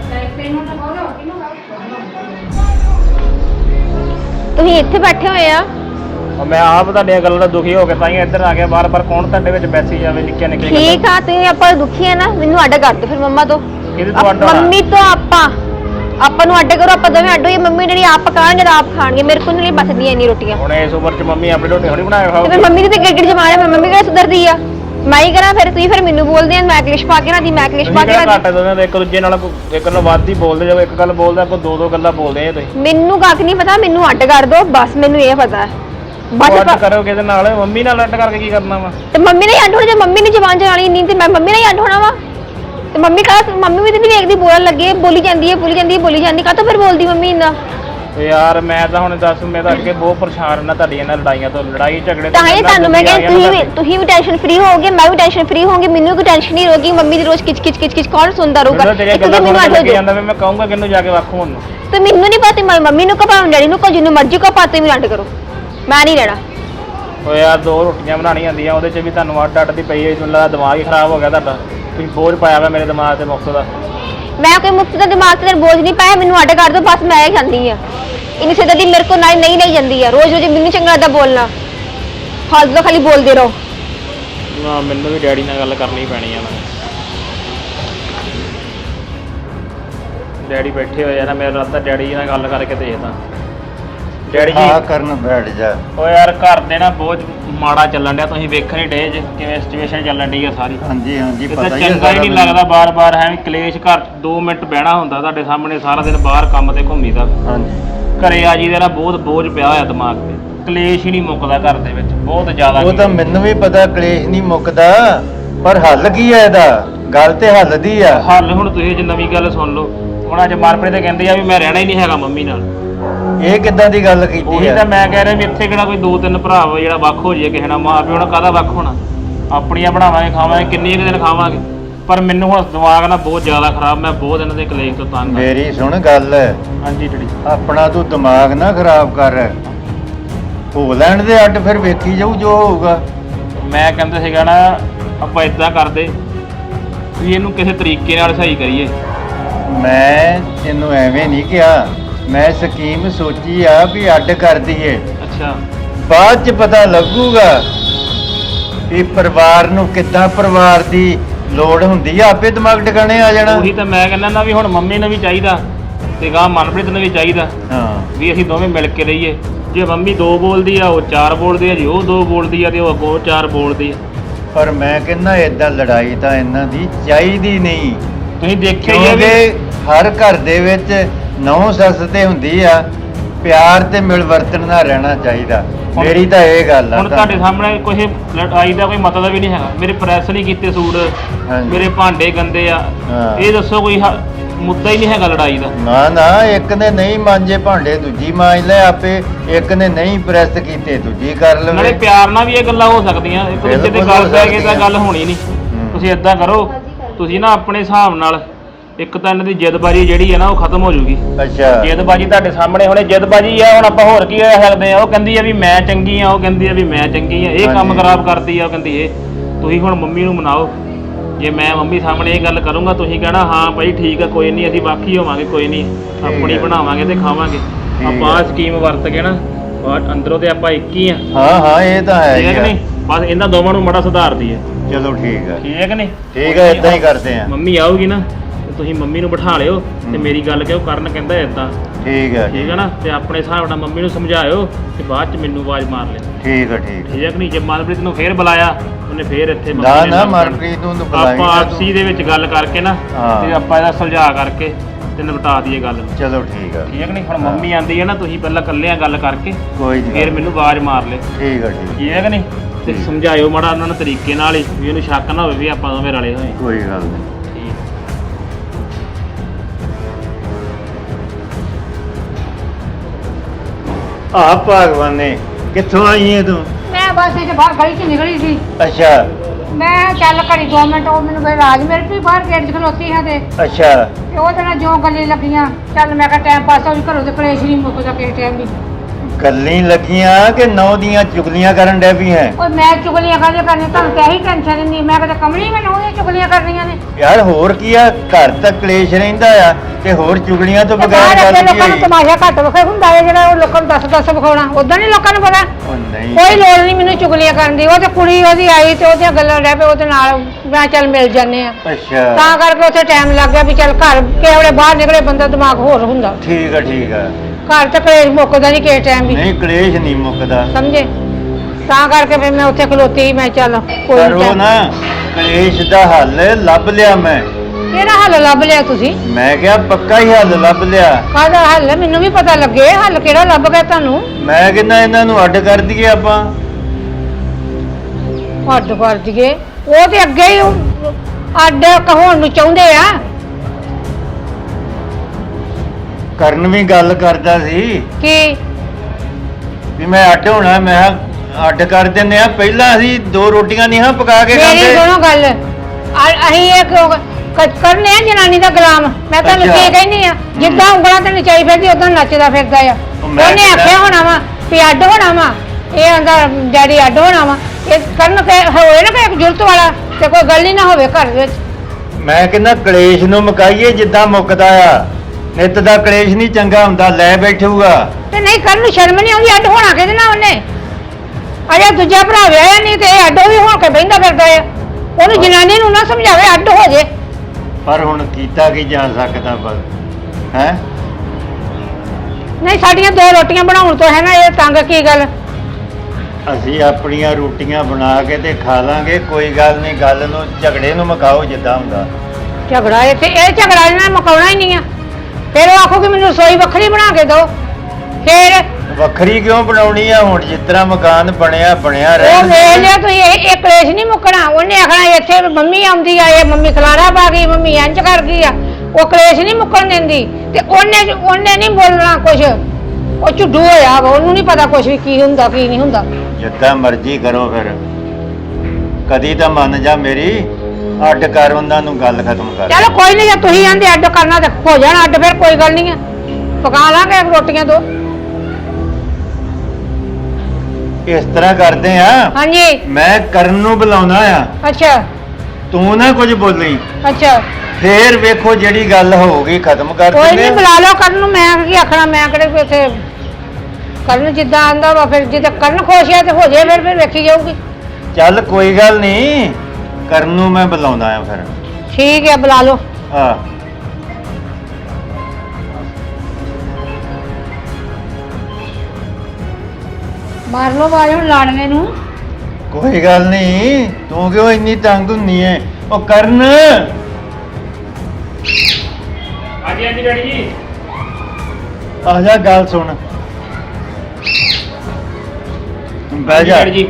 S2: ਤੁਸੀਂ ਇੱਥੇ ਬੈਠੇ ਹੋਏ ਆ।
S4: ਮੈਂ ਆਪ ਤੁਹਾਡੀਆਂ ਗੱਲਾਂ ਤੋਂ ਦੁਖੀ ਹੋ ਕੇ ਤਾਂ ਹੀ ਇੱਧਰ ਆ ਗਿਆ। ਬਾਰ-ਬਾਰ ਕੌਣ ਤੁਹਾਡੇ ਵਿੱਚ ਬੈਸੀ ਜਾਵੇ ਨਿੱਕੀਆਂ ਨਿੱਕੀਆਂ ਗੱਲਾਂ।
S2: ਠੀਕ ਆ, ਤੁਸੀਂ ਆਪਾਂ ਦੁਖੀ ਆ ਨਾ, ਮੈਨੂੰ ਅੱਡ ਕਰ ਦਿਓ ਫਿਰ ਮੰਮਾ ਤੋਂ।
S4: ਕਿਹਦੇ ਤੋਂ ਅੱਡ ਹੋਣਾ?
S2: ਮੰਮੀ ਤੋਂ ਆਪਾਂ ਨੂੰ ਅੱਡ ਕਰੋ, ਆਪਾਂ ਦੋਵੇਂ ਅੱਡ ਹੋਈਏ। ਮੰਮੀ ਜਿਹੜੀ ਆਪ ਪਕਾਉਣਗੇ ਆਪ ਖਾਣਗੇ, ਮੇਰੇ ਕੋਲ ਨਹੀਂ ਬਚਦੀਆਂ ਇੰਨੀ ਰੋਟੀਆਂ।
S4: ਹੁਣ ਇਸ ਉਮਰ 'ਚ ਮੰਮੀ ਆਪਣੀ ਰੋਟੀ ਥੋੜੀ ਬਣਾਇਆ
S2: ਤੇ
S4: ਖਾਓ।
S2: ਫਿਰ ਮੰਮੀ ਦੀ ਤੇ ਗਿੜਗਿੜ ਜਮਾਨ ਹੈ, ਫਿਰ ਮੰਮੀ ਕਿਹੜਾ ਸੁਧਰਦੀ ਆ? ਮੈਂ ਹੀ ਕਰਾਂ ਫਿਰ? ਤੁਸੀਂ ਫਿਰ ਮੈਨੂੰ ਬੋਲਦੇ ਆ ਮੈਂ ਕਲਿਸ਼ ਪਾ ਕੇ ਨਾ ਦੀ, ਮੈਂ ਕਲਿਸ਼ ਪਾ ਕੇ ਨਾ
S4: ਘੱਟ ਦੋਨਾਂ ਦੇ ਇੱਕ ਦੂਜੇ ਨਾਲ ਇੱਕ ਨਾਲ ਵੱਧ ਹੀ ਬੋਲਦੇ ਜਾਓ। ਇੱਕ ਗੱਲ ਬੋਲਦਾ ਕੋਈ 2-2 ਗੱਲਾਂ ਬੋਲਦੇ ਆ ਤੁਸੀਂ।
S2: ਮੈਨੂੰ ਕੱਖ ਨਹੀਂ ਪਤਾ, ਮੈਨੂੰ ਅੱਡ ਕਰ ਦੋ ਬਸ, ਮੈਨੂੰ ਇਹ ਪਤਾ ਹੈ
S4: ਅੱਡ
S2: ਬਸ।
S4: ਕਰੋ ਕਿਹਦੇ ਨਾਲ? ਮੰਮੀ ਨਾਲ ਅੱਡ ਕਰਕੇ ਕੀ ਕਰਨਾ ਵਾ?
S2: ਤੇ ਮੰਮੀ ਨੇ ਹੀ ਅੱਡ ਹੋਣਾ, ਜੇ ਮੰਮੀ ਨੇ ਜ਼ਬਾਨ ਚਲਾਣੀ ਨਹੀਂ ਤੇ ਮੈਂ ਮੰਮੀ ਨਾਲ ਹੀ ਅੱਡ ਹੋਣਾ ਵਾ। ਤੇ ਮੰਮੀ ਵੀ ਤੇ ਨਹੀਂ ਵੇਖਦੀ, ਬੋਲਣ ਲੱਗੇ ਬੋਲੀ ਜਾਂਦੀ ਹੈ ਕਾਹਤੋਂ ਫਿਰ ਬੋਲਦੀ ਮੰਮੀ ਇੰਨਾ?
S4: ਤੇ ਯਾਰ ਮੈਂ ਤਾਂ ਹੁਣ ਦੱਸ, ਮੈਂ ਤਾਂ ਅੱਗੇ ਬਹੁਤ ਪਰੇਸ਼ਾਨ ਨਾ ਤੁਹਾਡੀ ਇਹਨਾਂ ਲੜਾਈਆਂ ਤੋਂ, ਲੜਾਈ ਝਗੜੇ ਤੋਂ।
S2: ਤਾਂ ਹੀ ਤੁਹਾਨੂੰ ਮੈਂ ਕਹਿੰਦੀ ਤੁਸੀਂ ਵੀ ਟੈਨਸ਼ਨ ਫ੍ਰੀ ਹੋਗੇ, ਮੈਂ ਵੀ ਟੈਨਸ਼ਨ ਫ੍ਰੀ ਹੋਊਂਗੀ, ਮੈਨੂੰ ਕੋਈ ਟੈਨਸ਼ਨ ਨਹੀਂ ਰਹੂਗੀ। ਮੰਮੀ ਦੀ ਰੋਜ਼ ਕਿਚ ਕੌਣ ਸੁਣਦਾ ਰਹੂਗਾ? ਇੱਕ ਤਾਂ ਮੈਨੂੰ ਅੱਠ ਹੋ
S4: ਜਾਂਦਾ, ਮੈਂ ਕਹੂੰਗਾ ਕਿਹਨੂੰ ਜਾ ਕੇ ਵਾਖੂ ਹੁਣ।
S2: ਤੇ ਮੈਨੂੰ ਨਹੀਂ ਪਤਾ, ਮੈਂ ਮੰਮੀ ਨੂੰ ਕਹਾਂ, ਡੈਡੀ ਨੂੰ ਕਹਾਂ, ਜਿਹਨੂੰ ਮਰਜ਼ੀ ਕਹੋ, ਪਾਤੇ ਵੀ ਅੱਡ ਕਰੋ, ਮੈਂ ਨਹੀਂ ਰਹਿਣਾ।
S4: ਓ ਯਾਰ 2 ਰੋਟੀਆਂ ਬਣਾਉਣੀਆਂ ਆਉਂਦੀਆਂ, ਉਹਦੇ 'ਚ ਵੀ ਤੁਹਾਨੂੰ ਅੱਡ ਦੀ ਪਈ ਹੈ। ਮੈਨੂੰ ਲੱਗਦਾ ਦਿਮਾਗ ਹੀ ਖਰਾਬ ਹੋ ਗਿਆ ਤੁਹਾਡਾ, ਤੁਸੀਂ ਬੋਝ ਪਾਇਆ ਵਾ ਮੇਰੇ ਦਿਮਾਗ ਤੇ ਮੁਕਤ ਦਾ।
S2: ਮੈਂ ਕੋਈ ਮੁਕਤ ਦਾ ਦਿਮਾਗ ਤੇ ਬੋਝ ਨਹੀਂ ਪਾਇਆ, ਮੈਨੂੰ ਅੱਡ ਕਰ ਦੋ ਬਸ, ਮੈਂ ਹੀ ਖਾਂਦੀ ਆ। ਇੰਨੀ ਸਿੱਧਾ ਦੀ ਮੇਰੇ ਕੋਲ ਨਹੀਂ ਜਾਂਦੀ ਆ, ਰੋਜ਼ ਮੈਨੂੰ ਚੰਗਾ ਲੱਗਦਾ ਬੋਲਣਾ, ਫਾਲਤੂ ਖਾਲੀ ਬੋਲਦੇ ਰਹੋ।
S4: ਨਾ ਮੈਨੂੰ ਵੀ ਡੈਡੀ ਨਾਲ ਗੱਲ ਕਰਨੀ ਪੈਣੀ ਆ। ਡੈਡੀ ਬੈਠੇ ਹੋਏ ਆ ਨਾ, ਮੇਰਾ ਰੱਬ ਡੈਡੀ ਨਾਲ ਗੱਲ ਕਰਕੇ ਦੇਖਦਾ। ਡੈਡੀ ਜੀ
S3: ਕਰਨ ਬੈਠ ਜਾ।
S4: ਓ ਯਾਰ ਘਰ ਦੇ ਨਾ ਬਹੁਤ ਮਾੜਾ ਚੱਲਣ ਡਿਆ, ਤੁਸੀਂ ਵੇਖਣ ਹੀ ਡੇ ਕਿਵੇਂ ਸਿਚੁਏਸ਼ਨ ਚੱਲਣ ਡਈ ਆ ਸਾਰੀ।
S3: ਹਾਂਜੀ
S4: ਪਤਾ ਚੰਗਾ ਹੀ ਨਹੀਂ ਲੱਗਦਾ, ਬਾਰ-ਬਾਰ ਐਵੇਂ ਕਲੇਸ਼। ਘਰ 2 ਮਿੰਟ ਬਹਿਣਾ ਹੁੰਦਾ ਤੁਹਾਡੇ ਸਾਹਮਣੇ, ਸਾਰਾ ਦਿਨ ਬਾਹਰ ਕੰਮ ਤੇ ਘੁੰਮੀਦਾ,
S3: ਹਾਂਜੀ
S4: ਘਰੇ ਆ ਜੀਦਾ ਨਾ ਬਹੁਤ ਬੋਝ ਪਿਆ ਹੋਇਆ ਦਿਮਾਗ ਤੇ, ਕਲੇਸ਼ ਹੀ ਨਹੀਂ ਮੁੱਕਦਾ ਘਰ ਦੇ ਵਿੱਚ, ਬਹੁਤ ਜ਼ਿਆਦਾ।
S3: ਉਹ ਤਾਂ ਮੈਨੂੰ ਵੀ ਪਤਾ ਕਲੇਸ਼ ਨਹੀਂ ਮੁੱਕਦਾ, ਪਰ ਹੱਲ ਕੀ ਹੈ ਇਹਦਾ? ਗੱਲ ਤੇ ਹੱਲ ਦੀ ਆ।
S4: ਹੱਲ ਹੁਣ ਤੁਸੀਂ ਜੇ ਨਵੀਂ ਗੱਲ ਸੁਣ ਲਓ, ਹੁਣ ਅੱਜ ਮਨਪ੍ਰੀਤ ਕਹਿੰਦੇ ਆ ਵੀ ਮੈਂ ਰਹਿਣਾ ਹੀ ਨਹੀਂ ਹੈਗਾ ਮੰਮੀ ਨਾਲ।
S3: ਇਹ ਕਿੱਦਾਂ ਦੀ ਗੱਲ ਕੀਤੀ
S4: ਉਹੀ
S3: ਹੈ?
S4: ਤਾਂ ਮੈਂ ਕਹਿ ਰਿਹਾ ਵੀ ਇੱਥੇ ਕਿਹੜਾ ਕੋਈ 2-3 ਭਰਾ ਵਾ ਜਿਹੜਾ ਵੱਖ ਹੋ ਜਾਏ ਕਿਸੇ ਨਾਲ, ਮਾਂ ਪਿਓ ਨਾਲ ਕਾਹਦਾ ਵੱਖ ਹੋਣਾ? ਆਪਣੀਆਂ ਬਣਾਵਾਂਗੇ, ਖਾਵਾਂਗੇ, ਕਿੰਨੇ ਕੁ ਦਿਨ ਖਾਵਾਂਗੇ। ਪਰ ਮੈਨੂੰ ਹੁਣ ਦਿਮਾਗ ਨਾ ਬਹੁਤ ਜ਼ਿਆਦਾ ਖਰਾਬ, ਮੈਂ ਬਹੁਤ ਇਹਨਾਂ ਦੇ ਕਲੇਸ਼ ਤੋਂ ਤੰਗ ਆ।
S3: ਮੇਰੀ ਸੁਣ ਗੱਲ,
S4: ਹਾਂਜੀ ਡੈਡੀ।
S3: ਆਪਣਾ ਤੂੰ ਦਿਮਾਗ ਨਾ ਖਰਾਬ ਕਰ, ਹੋ ਲੈਣ ਦੇ ਅੱਡ, ਫਿਰ ਵੇਖੀ ਜਾਊ ਜੋ ਹੋਊਗਾ।
S4: ਮੈਂ ਕਹਿੰਦਾ ਸੀਗਾ ਨਾ ਆਪਾਂ ਇਦਾਂ ਕਰਦੇ ਵੀ ਇਹਨੂੰ ਕਿਸੇ ਤਰੀਕੇ ਨਾਲ ਸਹੀ ਕਰੀਏ।
S3: ਮੈਂ ਤੈਨੂੰ ਐਵੇਂ ਨਹੀਂ ਕਿਹਾ, ਮੈਂ ਸਕੀਮ ਸੋਚੀ ਆ ਵੀ ਅੱਡ ਕਰ ਦਈਏ।
S4: ਅੱਛਾ।
S3: ਬਾਅਦ ਚ ਪਤਾ ਲੱਗੂਗਾ ਵੀ ਪਰਿਵਾਰ ਨੂੰ ਕਿੱਦਾਂ ਪਰਿਵਾਰ ਦੀ ਲੋੜ ਹੁੰਦੀ ਆ, ਆਪੇ ਦਿਮਾਗ ਟਿਕਾਣੇ ਆ ਜਾਣਾ।
S4: ਉਹੀ ਤਾਂ ਮੈਂ ਕਹਿੰਦਾ ਨਾ ਵੀ ਹੁਣ ਮੰਮੀ ਨੂੰ ਵੀ ਚਾਹੀਦਾ ਤੇ ਗਾਂ ਮਨਪ੍ਰੀਤ ਨੂੰ ਵੀ ਚਾਹੀਦਾ
S3: ਹਾਂ
S4: ਵੀ ਅਸੀਂ ਦੋਵੇਂ ਮਿਲ ਕੇ ਰਹੀਏ। ਜੇ ਮੰਮੀ 2 ਬੋਲਦੀ ਆ, ਉਹ 4 ਬੋਲਦੀ ਆ, ਜੇ ਉਹ 2 ਬੋਲਦੀ ਆ ਤੇ ਉਹ ਅੱਗੋਂ 4 ਬੋਲਦੀ ਆ।
S3: ਪਰ ਮੈਂ ਕਹਿੰਦਾ ਏਦਾਂ ਲੜਾਈ ਤਾਂ ਇਹਨਾਂ ਦੀ ਚਾਹੀਦੀ ਨਹੀਂ,
S4: ਤੁਸੀਂ ਦੇਖਿਆ ਹੀ ਆ ਵੀ
S3: ਕਿਉਂਕਿ ਹਰ ਘਰ ਦੇ ਵਿੱਚ ਨੌ ਸੱਸ ਤੇ ਹੁੰਦੀ ਆ, ਪਿਆਰ ਤੇ ਮਿਲਵਰਤਨ ਨਾਲ ਰਹਿਣਾ ਚਾਹੀਦਾ। ਮੇਰੀ ਤਾਂ ਇਹ ਗੱਲ ਆ।
S4: ਹੁਣ ਤੁਹਾਡੇ ਸਾਹਮਣੇ ਕੋਈ ਲੜਾਈ ਦਾ ਕੋਈ ਮਤਲਬ ਹੀ ਨਹੀਂ ਹੈਗਾ। ਮੇਰੇ ਪ੍ਰੈਸ ਨਹੀਂ ਕੀਤੇ ਸੂਟ,
S3: ਹਾਂਜੀ।
S4: ਮੇਰੇ ਭਾਂਡੇ ਗੰਦੇ ਆ,
S3: ਹਾਂ।
S4: ਇਹ ਦੱਸੋ ਕੋਈ ਮੁੱਦਾ ਹੀ ਨਹੀਂ ਹੈਗਾ ਲੜਾਈ ਦਾ।
S3: ਨਾ ਇੱਕ ਨੇ ਨਹੀਂ ਮਾਂਜੇ ਭਾਂਡੇ ਦੂਜੀ ਮਾਂਜ ਲੈ ਆਪੇ, ਇੱਕ ਨੇ ਨਹੀਂ ਪ੍ਰੈਸ ਕੀਤੇ ਦੂਜੀ ਕਰ
S4: ਨਾਲੇ
S3: ਲਵੇ।
S4: ਪਿਆਰ ਨਾਲ ਵੀ ਇਹ ਗੱਲਾਂ ਹੋ ਸਕਦੀਆਂ, ਇੱਕ ਦੂਜੇ ਤੇ
S3: ਬਿਲਕੁਲ
S4: ਗੱਲ
S3: ਹੋ
S4: ਪੈ ਗਈ ਤਾਂ
S3: ਸਕਦੀਆਂ।
S4: ਗੱਲ ਹੋਣੀ ਨਹੀਂ। ਤੁਸੀਂ ਏਦਾਂ ਕਰੋ, ਤੁਸੀਂ ਨਾ ਆਪਣੇ ਹਿਸਾਬ ਨਾਲ, ਇੱਕ ਤਾਂ ਇਹਨਾਂ ਦੀ ਜਿੱਦਬਾਜ਼ੀ ਜਿਹੜੀ ਹੈ ਨਾ ਉਹ ਖਤਮ ਹੋ ਜੂਗੀ।
S3: ਅੱਛਾ
S4: ਜਿੱਦਬਾਜ਼ੀ ਤੁਹਾਡੇ ਸਾਹਮਣੇ ਹੁਣੇ ਜਿੱਦਬਾਜ਼ੀ ਆ, ਹੁਣ ਆਪਾਂ ਹੋਰ ਕੀ ਕਰ ਸਕਦੇ ਆ? ਉਹ ਕਹਿੰਦੀ ਆ ਵੀ ਮੈਂ ਚੰਗੀ ਆ, ਉਹ ਕਹਿੰਦੀ ਆ ਵੀ ਮੈਂ ਚੰਗੀ ਆ, ਇਹ ਕੰਮ
S3: ਹਾਂਜੀ।
S4: ਖਰਾਬ ਕਰਦੀ ਆ, ਉਹ ਕਹਿੰਦੀ ਇਹ। ਤੁਸੀਂ ਹੁਣ ਮੰਮੀ ਨੂੰ ਮਨਾਓ, ਜੇ ਮੈਂ ਮੰਮੀ ਸਾਹਮਣੇ ਇਹ ਗੱਲ ਕਰੂੰਗਾ ਤੁਸੀਂ ਕਹਿਣਾ ਹਾਂ ਭਾਈ ਠੀਕ ਆ, ਕੋਈ ਨਹੀਂ, ਅਸੀਂ ਵਾਕੀ ਹੋਵਾਂਗੇ, ਕੋਈ ਨਹੀਂ, ਆਪਣੀ ਬਣਾਵਾਂਗੇ ਤੇ ਖਾਵਾਂਗੇ। ਆਪਾਂ ਆਹ ਸਕੀਮ ਵਰਤ ਕੇ ਨਾ, ਅੰਦਰੋਂ ਤੇ ਆਪਾਂ ਇੱਕ ਹੀ ਆ।
S3: ਹਾਂ ਇਹ ਤਾਂ ਹੈ
S4: ਠੀਕ ਹੈ
S3: ਹੀ
S4: ਕਿ
S3: ਆ।
S4: ਨਹੀਂ? ਬਸ ਇਹਨਾਂ ਦੋਵਾਂ ਨੂੰ ਮੜਾ ਸੁਧਾਰਦੀ ਹੈ।
S3: ਚਲੋ ਠੀਕ ਆ,
S4: ਠੀਕ ਹੈ ਕਿ ਨਹੀਂ?
S3: ਠੀਕ ਆ, ਏਦਾਂ ਹੀ ਕਰਦੇ ਆ।
S4: ਮੰਮੀ ਆਊਗੀ ਨਾ ਤੇ ਤੁਸੀਂ ਮੰਮੀ ਨੂੰ ਬਿਠਾ ਲਿਓ ਤੇ ਮੇਰੀ ਗੱਲ ਕਿਉਂ ਕਰਨ ਕਹਿੰਦਾ ਏਦਾਂ।
S3: ਠੀਕ ਆ
S4: ਠੀਕ ਹੈ ਨਾ? ਤੇ ਆਪਣੇ ਹਿਸਾਬ ਨਾਲ ਮੰਮੀ ਨੂੰ ਸਮਝਾਇਓ ਤੇ ਬਾਅਦ ਚ ਮੈਨੂੰ ਆਵਾਜ਼ ਮਾਰ ਲਿਓ।
S3: ਠੀਕ ਆ ਠੀਕ
S4: ਠੀਕ ਹੈ ਕਿ ਨਹੀਂ? ਜੇ ਮਨਪ੍ਰੀਤ ਨੂੰ ਫੇਰ ਬੁਲਾਇਆ, ਉਹਨੇ ਫੇਰ ਇੱਥੇ
S3: ਨਾ
S4: ਮੰਮੀ ਦੇ
S3: ਨਾ
S4: ਨਾਲ
S3: ਮਨਪ੍ਰੀਤ ਨੂੰ ਤਾਂ ਬੁਲਾਈ
S4: ਆਪਾਂ
S3: ਨਾ
S4: ਆਪਸੀ
S3: ਤੂੰ।
S4: ਦੇ ਵਿੱਚ ਗੱਲ ਕਰਕੇ ਨਾ
S3: ਹਾਂ।
S4: ਤੇ ਆਪਾਂ ਇਹਦਾ ਸੁਲਝਾ ਕਰਕੇ ਤੇ ਨਿਪਟਾ ਦਈਏ ਗੱਲ ਨੂੰ।
S3: ਚਲੋ ਠੀਕ ਆ,
S4: ਠੀਕ ਹੈ ਕਿ ਨਹੀਂ? ਹੁਣ
S3: ਹਾਂ।
S4: ਮੰਮੀ ਆਂਦੀ ਹੈ ਨਾ, ਤੁਸੀਂ ਪਹਿਲਾਂ ਇਕੱਲਿਆਂ ਗੱਲ ਕਰਕੇ
S3: ਕੋਈ ਨਹੀਂ,
S4: ਫੇਰ ਮੈਨੂੰ ਆਵਾਜ਼ ਮਾਰ ਲਿਓ।
S3: ਠੀਕ ਆ ਠੀਕ
S4: ਠੀਕ ਹੈ ਕਿ ਨਹੀਂ? ਤੇ ਸਮਝਾਇਓ ਮਾੜਾ ਉਹਨਾਂ ਨੂੰ ਤਰੀਕੇ ਨਾਲ ਹੀ, ਵੀ ਇਹਨੂੰ ਸ਼ੱਕ ਨਾ ਹੋਵੇ ਵੀ ਆਪਾਂ ਦੋਵੇਂ ਰਲੇ ਹੋਏ।
S3: ਕੋਈ ਗੱਲ ਨਹੀਂ।
S4: ਠੀਕ।
S3: ਆ ਭਗਵਾਨੇ ਕਿੱਥੋਂ ਆਈ ਹੈ ਤੂੰ?
S1: ਮੈਂ ਬਸ ਇੱਥੇ ਬਾਹਰ ਗਲੀ 'ਚ ਨਿਕਲੀ ਸੀ।
S3: ਅੱਛਾ
S1: ਮੈਂ ਚੱਲ ਘੜੀ 2 ਮਿੰਟ, ਉਹ ਮੈਨੂੰ ਫਿਰ ਰਾਜ ਮਿਲ ਪਈ ਬਾਹਰ ਗੇਟ 'ਚ ਖਲੋਤੀ ਹਾਂ ਤੇ
S3: ਅੱਛਾ
S1: ਉਹਦੇ ਨਾਲ ਜੋ ਗੱਲਾਂ ਲੱਗੀਆਂ, ਚੱਲ ਮੈਂ ਕਿਹਾ ਟਾਈਮ ਪਾਸ ਹੋ ਜੀ, ਘਰੋਂ ਤੇ ਕਲੇਸ਼ ਨਹੀਂ ਮੁੱਕਦਾ ਕਿਸੇ ਟਾਈਮ ਵੀ।
S3: ਗੱਲਾਂ ਲੱਗੀਆਂ ਕਿ ਨੌ ਦੀਆਂ ਚੁਗਲੀਆਂ ਕਰਨ ਡੈ ਵੀ ਹੈ?
S1: ਉਹ ਮੈਂ ਚੁਗਲੀਆਂ ਕਰਨੀਆਂ ਤੁਹਾਨੂੰ ਤੇ ਇਹੀ ਟੈਨਸ਼ਨ ਦਿੰਦੀ, ਮੈਂ ਕਿਤੇ ਕਮਲੀ ਮੈਨੂੰ ਉਹਦੀਆਂ ਚੁਗਲੀਆਂ ਕਰਨੀਆਂ ਨੇ।
S3: ਯਾਰ ਹੋਰ ਕੀ ਆ, ਘਰ ਤੱਕ ਕਲੇਸ਼ ਰਹਿੰਦਾ ਆ ਤੇ ਹੋਰ ਚੁਗਲੀਆਂ ਤੋਂ
S1: ਤੇ
S3: ਬਗੈਰ
S1: ਬਾਹਰ
S3: ਗੱਲ
S1: ਅੱਗੇ
S3: ਕੀ
S1: ਲੋਕਾਂ ਨੂੰ
S3: ਹੋਈ?
S1: ਤਮਾਸ਼ਾ ਘੱਟ ਵਿਖੇ ਹੁੰਦਾ ਹੈ, ਜਿਹੜਾ ਉਹ ਲੋਕਾਂ ਨੂੰ ਦੱਸ ਵਿਖਾਉਣਾ, ਉਦਾਂ ਨਹੀਂ ਲੋਕਾਂ ਨੂੰ ਪਤਾ।
S3: ਉਹ ਨਹੀਂ
S1: ਕੋਈ ਲੋੜ ਨਹੀਂ ਮੈਨੂੰ ਚੁਗਲੀਆਂ ਕਰਨ ਦੀ। ਉਹ ਤੇ ਕੁੜੀ ਉਹਦੀ ਆਈ ਤੇ ਉਹਦੀਆਂ ਗੱਲਾਂ ਰਹਿ ਪਏ, ਉਹਦੇ ਨਾਲ ਮੈਂ ਚੱਲ ਮਿਲ ਜਾਂਦੇ ਆ,
S3: ਅੱਛਾ
S1: ਤਾਂ ਕਰਕੇ ਉੱਥੇ ਟਾਈਮ ਲੱਗ ਗਿਆ ਵੀ ਚੱਲ ਘਰ ਕਿਹੜੇ ਬਾਹਰ ਨਿਕਲੇ ਬੰਦਾ ਦਿਮਾਗ ਹੋਰ ਹੁੰਦਾ।
S3: ਠੀਕ ਆ ਠੀਕ ਆ,
S1: ਘਰ ਤੇ ਕਲੇਸ਼ ਮੁੱਕਦਾ ਨਹੀਂ ਕਿਸੇ ਟਾਈਮ ਵੀ,
S3: ਨਹੀਂ ਕਲੇਸ਼ ਨਹੀਂ ਮੁੱਕਦਾ।
S1: ਸਮਝੇ? ਤਾਂ ਕਰਕੇ ਫਿਰ ਮੈਂ ਉੱਥੇ ਖਲੋਤੀ, ਮੈਂ ਚੱਲ ਕੋਈ
S3: ਪਰ ਉਹ
S1: ਨਹੀਂ।
S3: ਨਾ ਕਲੇਸ਼ ਦਾ ਹੱਲ ਲੱਭ ਲਿਆ ਮੈਂ।
S1: ਕਿਹੜਾ ਹੱਲ ਲੱਭ ਲਿਆ ਤੁਸੀਂ?
S3: ਮੈਂ ਕਿਹਾ ਪੱਕਾ ਹੀ ਹੱਲ ਲੱਭ ਲਿਆ।
S1: ਕਾਹਦਾ ਹੱਲ? ਮੈਨੂੰ ਵੀ ਪਤਾ ਲੱਗੇ ਹੱਲ ਕਿਹੜਾ ਲੱਭ ਗਿਆ ਤੁਹਾਨੂੰ।
S3: ਮੈਂ ਕਹਿੰਦਾ ਇਹਨਾਂ ਨੂੰ ਅੱਡ ਕਰ ਦਈਏ ਆਪਾਂ।
S1: ਹੱਦ ਕਰ ਦਈਏ? ਉਹ ਤੇ ਅੱਗੇ ਹੀ ਅੱਡ ਹੋਣ ਨੂੰ ਚਾਹੁੰਦੇ ਆ।
S3: ਕਰਨ ਵੀ ਗੱਲ ਕਰਦਾ ਸੀ
S1: ਕੀ
S3: ਵੀ ਮੈਂ ਅੱਡ ਹੋਣਾ, ਮੈਂ ਕਿਹਾ ਅੱਡ ਕਰ ਦਿੰਦੇ ਆ। ਪਹਿਲਾਂ ਅਸੀਂ 2 ਰੋਟੀਆਂ ਨਹੀਂ ਹਾਂ ਪਕਾ ਕੇ
S1: ਮੇਰੀ
S3: ਖਾਂਦੇ।
S1: ਸੁਣੋ ਗੱਲ, ਅਸੀਂ ਇਹ ਕਰਨੇ ਆ ਜਨਾਨੀ ਦਾ ਗੁਲਾਮ। ਮੈਂ ਤੁਹਾਨੂੰ
S3: ਅੱਛਾ।
S1: ਕੀ ਕਹਿੰਦੀ ਆ, ਜਿੱਦਾਂ ਉਂਗਲਾਂ ਤੇ ਨਚਾਈ ਫਿਰਦੀ ਉਦਾਂ ਨੱਚਦਾ ਫਿਰਦਾ ਆ।
S3: ਉਹ ਮੈਂ
S1: ਉਹਨੇ
S3: ਕਿਹਾ-
S1: ਆਖਿਆ ਹੋਣਾ ਵਾ ਵੀ ਅੱਡ ਹੋਣਾ ਵਾ, ਇਹ ਆਂਦਾ ਡੈਡੀ ਅੱਡ ਹੋਣਾ ਵਾ। ਇਹ ਕਰਨ ਕੇ ਹੋਏ ਨਾ ਕੋਈ ਜ਼ਰੂਰਤ ਵਾਲਾ ਤੇ ਕੋਈ ਗੱਲ ਹੀ ਨਾ ਹੋਵੇ ਘਰ ਵਿੱਚ।
S3: ਮੈਂ ਕਹਿੰਦਾ ਕਲੇਸ਼ ਨੂੰ ਮੁਕਾਈਏ ਜਿੱਦਾਂ ਮੁੱਕਦਾ ਆ। ਨਿੱਤ ਦਾ ਕਲੇਸ਼ ਨਹੀਂ ਚੰਗਾ ਹੁੰਦਾ, ਲੈ ਬੈਠੂਗਾ।
S1: ਤੇ ਨਹੀਂ ਕਰਨ ਨੂੰ ਸ਼ਰਮ ਨਹੀਂ ਆਉਂਦੀ ਅੱਡ ਹੋਣਾ ਕਿਹਦੇ ਨਾਲ ਉਹਨੇ? ਅਜੇ ਦੂਜਾ ਭਰਾ ਵਿਆਹਿਆ ਨਹੀਂ ਤੇ ਇਹ ਅੱਡ ਵੀ ਹੋ ਕੇ ਬਹਿੰਦਾ ਫਿਰਦਾ ਆ। ਉਹਨੂੰ ਜਨਾਨੀ ਨੂੰ ਨਾ ਸਮਝਾਵੇ ਅੱਡ ਹੋ ਜੇ।
S3: ਪਰ ਹੁਣ ਕੀਤਾ ਕੀ ਜਾ ਸਕਦਾ ਬਸ ਹੈ।
S1: ਨਹੀਂ ਸਾਡੀਆਂ 2 ਰੋਟੀਆਂ ਬਣਾਉਣ ਤੋਂ ਹੈ ਨਾ ਇਹ ਤੰਗ ਕੀ ਗੱਲ?
S3: ਅਸੀਂ ਆਪਣੀਆਂ ਰੋਟੀਆਂ ਬਣਾ ਕੇ ਤੇ ਖਾ ਲਾਂਗੇ, ਕੋਈ ਗੱਲ ਨਹੀਂ। ਗੱਲ ਨੂੰ ਝਗੜੇ ਨੂੰ ਮੁਕਾਓ ਜਿੱਦਾਂ ਹੁੰਦਾ।
S1: ਝਗੜਾ ਇੱਥੇ ਇਹ ਝਗੜਾ ਇਹਨਾਂ ਨੇ ਮੁਕਾਉਣਾ ਹੀ ਨਹੀਂ ਆ। ਫਿਰ ਉਹ ਆਖੋ ਕਿ ਮੈਨੂੰ ਰਸੋਈ ਵੱਖਰੀ ਬਣਾ ਕੇ ਦਿਓ। ਫਿਰ
S3: ਵੱਖਰੀ ਕਿਉਂ ਬਣਾਉਣੀ ਆ? ਹੁਣ ਜਿਸ ਤਰ੍ਹਾਂ ਮਕਾਨ ਬਣਿਆ ਬਣਿਆ
S1: ਉਹ
S3: ਰਹਿਣ
S1: ਵੇਖ ਲਿਆ ਤੁਸੀਂ, ਇਹ ਕਲੇਸ਼ ਨਹੀਂ ਮੁੱਕਣਾ। ਉਹਨੇ ਆਖਣਾ ਇੱਥੇ ਮੰਮੀ ਆਉਂਦੀ ਆ, ਇਹ ਮੰਮੀ ਖਲਾਰਾ ਪਾ ਗਈ, ਮੰਮੀ ਇੰਜ ਕਰ ਗਈ ਆ। ਉਹ ਕਲੇਸ਼ ਨਹੀਂ ਮੁੱਕਣ ਦਿੰਦੀ। ਤੇ ਉਹਨੇ ਨਹੀਂ ਬੋਲਣਾ ਕੁਛ। ਉਹ ਝੁੱਡੂ ਹੋਇਆ ਵਾ, ਉਹਨੂੰ ਨਹੀਂ ਪਤਾ ਕੁਛ ਵੀ ਕੀ ਹੁੰਦਾ ਕੀ ਨਹੀਂ ਹੁੰਦਾ।
S3: ਜਿੱਦਾਂ ਮਰਜ਼ੀ ਕਰੋ। ਫਿਰ ਕਦੀ ਤਾਂ ਮੰਨ ਜਾ ਮੇਰੀ, ਅੱਡ ਕਰ ਉਹਨਾਂ ਨੂੰ, ਗੱਲ ਖਤਮ ਕਰ।
S1: ਚਲੋ ਕੋਈ ਨਹੀਂ, ਜੇ ਤੁਸੀਂ ਆਂਦੇ ਅੱਡ ਕਰਨਾ ਤੇ ਹੋ ਜਾਣਾ ਅੱਡ, ਫਿਰ ਕੋਈ ਗੱਲ ਨਹੀਂ ਆ। ਪਕਾ ਲਾਂਗੇ ਰੋਟੀਆਂ 2।
S3: ਇਸ ਤਰ੍ਹਾਂ ਕਰਦੇ ਆ,
S1: ਹਾਂਜੀ।
S3: ਮੈਂ ਕਰਨ ਨੂੰ ਬੁਲਾਉਣਾ ਆ,
S1: ਅੱਛਾ
S3: ਤੂੰ ਨਾ ਕੁਝ ਬੋਲੀ।
S1: ਅੱਛਾ
S3: ਫੇਰ ਵੇਖੋ ਜਿਹੜੀ ਗੱਲ ਹੋਊਗੀ ਖਤਮ ਕਰ
S1: ਕੋਈ
S3: ਦਿੰਦੇ
S1: ਨਹੀਂ,
S3: ਆ।
S1: ਬੁਲਾ ਲਓ ਕਰਨ ਨੂੰ। ਮੈਂ ਕੀ ਆਖਣਾ, ਮੈਂ ਕਿਹੜੇ ਇੱਥੇ ਕਰਨ ਜਿੱਦਾਂ ਆਂਦਾ ਵਾ। ਫਿਰ ਜਿੱਦਾਂ ਕਰਨ ਖੁਸ਼ ਆ ਤੇ ਹੋ ਜੇ, ਫਿਰ ਵੇਖੀ ਜਾਊਗੀ।
S3: ਚੱਲ ਕੋਈ ਗੱਲ ਨਹੀਂ, ਕਰਨ ਨੂੰ ਮੈਂ ਬੁਲਾਉਂਦਾ ਆ ਫਿਰ।
S1: ਠੀਕ ਹੈ, ਬੁਲਾ ਲਓ।
S3: ਹਾਂ
S1: ਮਾਰ ਲਓ ਆਵਾਜ਼ ਹੁਣ ਲਾੜਵੇਂ ਨੂੰ।
S3: ਕੋਈ ਗੱਲ ਨਹੀਂ, ਤੂੰ ਕਿਉਂ ਇੰਨੀ ਤੰਗ ਹੁੰਨੀ ਐ? ਉਹ ਕਰਨ,
S4: ਹਾਂਜੀ ਹਾਂਜੀ ਡੈਡੀ ਜੀ।
S3: ਆ ਜਾ, ਗੱਲ ਸੁਣ। ਬਹਿ ਜਾ।
S4: ਡੈਡੀ ਜੀ।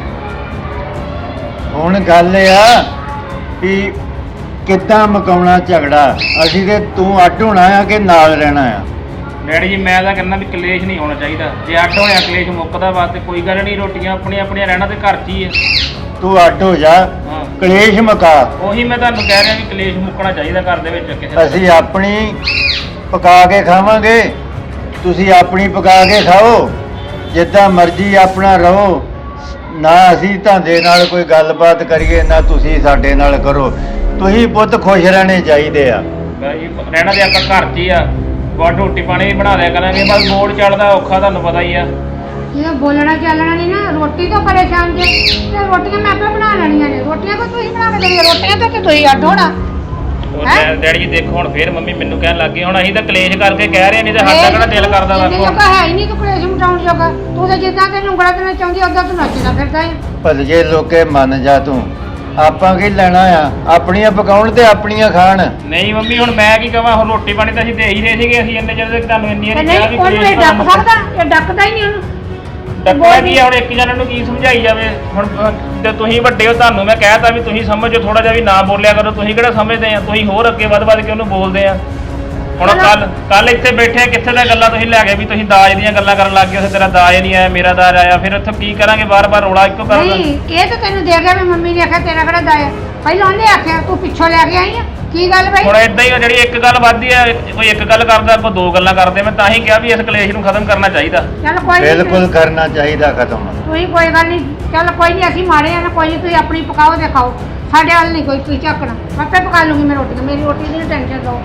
S3: ਹੁਣ ਗੱਲ ਇਹ ਆ ਵੀ ਕਿੱਦਾਂ ਮੁਕਾਉਣਾ ਝਗੜਾ। ਅਸੀਂ ਤੇ ਤੂੰ ਅੱਡ ਹੋਣਾ ਆ ਕਿ ਨਾਲ ਰਹਿਣਾ ਆ?
S4: ਡੈਡੀ ਜੀ ਮੈਂ ਤਾਂ ਕਹਿੰਦਾ ਵੀ ਕਲੇਸ਼ ਨਹੀਂ ਹੋਣਾ ਚਾਹੀਦਾ। ਜੇ ਅੱਡ ਹੋਇਆ ਕਲੇਸ਼ ਮੁੱਕਦਾ ਵਾ ਤੇ ਕੋਈ ਗੱਲ ਨਹੀਂ, ਰੋਟੀਆਂ ਆਪਣੀਆਂ ਆਪਣੀਆਂ ਰਹਿਣਾ ਤੇ ਘਰ 'ਚ ਹੀ ਹੈ।
S3: ਤੂੰ ਅੱਡ ਹੋ ਜਾ,
S4: ਹਾਂ
S3: ਕਲੇਸ਼ ਮੁਕਾ।
S4: ਉਹੀ ਮੈਂ ਤੁਹਾਨੂੰ ਕਹਿ ਰਿਹਾ ਵੀ ਕਲੇਸ਼ ਮੁੱਕਣਾ ਚਾਹੀਦਾ ਘਰ ਦੇ ਵਿੱਚ ਕਿਸੇ ਦਾ।
S3: ਅਸੀਂ ਆਪਣੀ ਪਕਾ ਕੇ ਖਾਵਾਂਗੇ, ਤੁਸੀਂ ਆਪਣੀ ਪਕਾ ਕੇ ਖਾਓ। ਜਿੱਦਾਂ ਮਰਜ਼ੀ ਆਪਣਾ ਰਹੋ। ਨਾ ਅਸੀਂ ਤੁਹਾਡੇ ਨਾਲ ਕੋਈ ਗੱਲਬਾਤ ਕਰੀਏ, ਨਾ ਤੁਸੀਂ ਸਾਡੇ ਨਾਲ ਕਰੋ। ਤੁਸੀਂ ਪੁੱਤ ਖੁਸ਼ ਰਹਿਣੇ ਚਾਹੀਦੇ ਆ।
S4: ਜੀ ਰਹਿਣਾ ਤੇ ਆਪਾਂ ਘਰ 'ਚ ਹੀ ਆ। ਬਾਹਰ ਰੋਟੀ ਪਾਣੀ ਵੀ ਬਣਾ ਲਿਆ ਕਰਾਂਗੇ, ਬਸ ਮੋੜ ਚੜਦਾ ਔਖਾ, ਤੁਹਾਨੂੰ ਪਤਾ ਹੀ ਆ।
S1: ਜੇ ਬੋਲਣਾ ਚੱਲਣਾ ਨਹੀਂ ਨਾ, ਰੋਟੀ ਤੋਂ ਪਰੇਸ਼ਾਨ ਜੇ ਤੇ ਰੋਟੀਆਂ ਮੈਂ ਆਪੇ ਬਣਾ ਲੈਣੀਆਂ ਨੇ। ਰੋਟੀਆਂ ਤਾਂ ਤੁਸੀਂ ਬਣਾ ਕੇ ਦੇਣੀਆਂ, ਰੋਟੀਆਂ ਤੋਂ ਤੇ ਤੁਸੀਂ ਅੱਡ ਹੋਣਾ।
S4: ਉਹ
S1: ਹੈਂ?
S4: ਡੈਡੀ ਜੀ ਦੇਖੋ ਹੁਣ ਫੇਰ ਮੰਮੀ ਮੈਨੂੰ ਕਹਿਣ ਲੱਗ ਗਈ। ਹੁਣ ਅਸੀਂ ਤਾਂ ਕਲੇਸ਼ ਕਰਕੇ ਕਹਿ ਰਹੇ ਨਹੀਂ ਤੇ ਸਾਡਾ ਕਿਹੜਾ ਦਿਲ ਕਰਦਾ ਵਾ।
S1: ਇਹ ਜੋਗਾ ਹੈ ਹੀ ਨਹੀਂ ਕਿ ਕਲੇਸ਼ ਮਟਾਉਣ ਜੋਗਾ। ਤੂੰ ਤਾਂ ਜਿੱਦਾਂ ਤੈਨੂੰ ਉਂਗਲਾਂ ਤੇ ਚਾਹੁੰਦੀ ਉਦਾਂ ਤੂੰ ਨੱਚਦਾ ਫਿਰਦਾ ਹੈ।
S3: ਭਲਕੇ ਲੋਕੇ ਮੰਨ ਜਾ ਤੂੰ। ਆਪਾਂ ਕੀ ਲੈਣਾ ਆ? ਆਪਣੀਆਂ ਪਕਾਉਣ ਤੇ ਆਪਣੀਆਂ ਖਾਣ।
S4: ਨਹੀਂ ਮੰਮੀ ਹੁਣ ਮੈਂ ਕੀ ਕਹਾਂ, ਹੁਣ ਰੋਟੀ ਪਾਣੀ ਤਾਂ ਅਸੀਂ ਦੇ ਹੀ ਰਹੇ ਸੀਗੇ। ਅਸੀਂ ਇੰਨੇ ਚਿਰ ਤੱਕ ਤੁਹਾਨੂੰ ਇੰਨੀ
S1: ਤੇ
S4: ਵਾਰੀ ਕਿਹਾ
S1: ਨਹੀਂ
S4: ਵੀ
S1: ਉਹਨੂੰ ਇਹ
S4: ਕਲੇਸ਼
S1: ਡੱਕ ਸਕਦਾ, ਇਹ ਡੱਕਦਾ ਹੀ ਨਹੀਂ ਉਹਨੂੰ।
S4: ਡੱਕਣਾ ਕੀ ਆ? ਹੁਣ ਇੱਕ ਜਣੇ ਨੂੰ ਕੀ ਸਮਝਾਈ ਜਾਵੇ? ਹੁਣ ਜੇ ਤੁਸੀਂ ਵੱਡੇ ਹੋ, ਤੁਹਾਨੂੰ ਮੈਂ ਕਹਿਤਾ ਵੀ ਤੁਸੀਂ ਸਮਝੋ, ਥੋੜਾ ਜਿਹਾ ਵੀ ਨਾ ਬੋਲਿਆ ਕਰੋ। ਤੁਸੀਂ ਕਿਹੜਾ ਸਮਝਦੇ ਆ? ਤੁਸੀਂ ਹੋਰ ਅੱਗੇ ਵੱਧ ਕੇ ਉਹਨੂੰ ਬੋਲਦੇ ਆ। ਹੁਣ ਕੱਲ ਇੱਥੇ ਬੈਠੇ ਕਿੱਥੇ ਦੀਆਂ ਗੱਲਾਂ ਤੁਸੀਂ ਲੈ ਗਏ ਵੀ ਤੁਸੀਂ ਦਾਜ ਦੀਆਂ ਗੱਲਾਂ ਕਰਨ ਲੱਗ ਗਏ। ਉੱਥੇ ਤੇਰਾ ਦਾਜ ਨਹੀਂ ਆਇਆ, ਮੇਰਾ ਦਾਜ ਆਇਆ। ਫਿਰ ਇੱਥੇ ਕੀ ਕਰਾਂਗੇ? ਬਾਰ-ਬਾਰ ਰੌਲਾ ਇੱਕੋ ਕਰ
S1: ਨਹੀਂ, ਇਹ ਤਾਂ ਤੈਨੂੰ ਦੇ ਗਿਆ ਵੀ ਮੰਮੀ ਨੇ ਆਖਿਆ ਤੇਰਾ ਕਿਹੜਾ ਦਾਇਆ। ਪਹਿਲਾਂ ਉਹਨੇ ਆਖਿਆ, ਤੂੰ ਪਿੱਛੋਂ ਲੈ ਕੇ ਆਈ ਆ। ਕੀ ਗੱਲ ਬਈ?
S4: ਹੁਣ ਇਦਾਂ ਹੀ ਆ, ਜਿਹੜੀ ਇੱਕ ਗੱਲ ਵੱਧਦੀ ਆ, ਕੋਈ ਇੱਕ ਗੱਲ ਕਰਦਾ, ਕੋਈ 2 ਗੱਲਾਂ ਕਰਦੇ। ਮੈਂ ਤਾਂ ਹੀ ਕਿਹਾ ਵੀ ਇਸ ਕਲੇਸ਼ ਨੂੰ ਖਤਮ ਕਰਨਾ ਚਾਹੀਦਾ।
S1: ਚੱਲ ਕੋਈ ਨੀ,
S3: ਬਿਲਕੁਲ ਕਰਨਾ ਚਾਹੀਦਾ ਖਤਮ।
S1: ਤੁਸੀਂ ਕੋਈ ਗੱਲ ਨਹੀਂ। ਚੱਲ ਕੋਈ ਨਹੀਂ, ਅਸੀਂ ਮਾੜੇ ਆ ਨਾ, ਕੋਈ ਨਹੀਂ। ਤੁਸੀਂ ਆਪਣੀ ਪਕਾਓ ਤੇ ਖਾਓ, ਸਾਡੇ ਵੱਲ ਨਹੀਂ ਕੋਈ ਤੁਸੀਂ ਝਾਕਣਾ। ਆਪੇ ਪਕਾ ਲੂੰਗੀ ਮੈਂ ਰੋਟੀ। ਮੇਰੀ ਰੋਟੀ ਦੀ ਟੈਨਸ਼ਨ ਲਓ।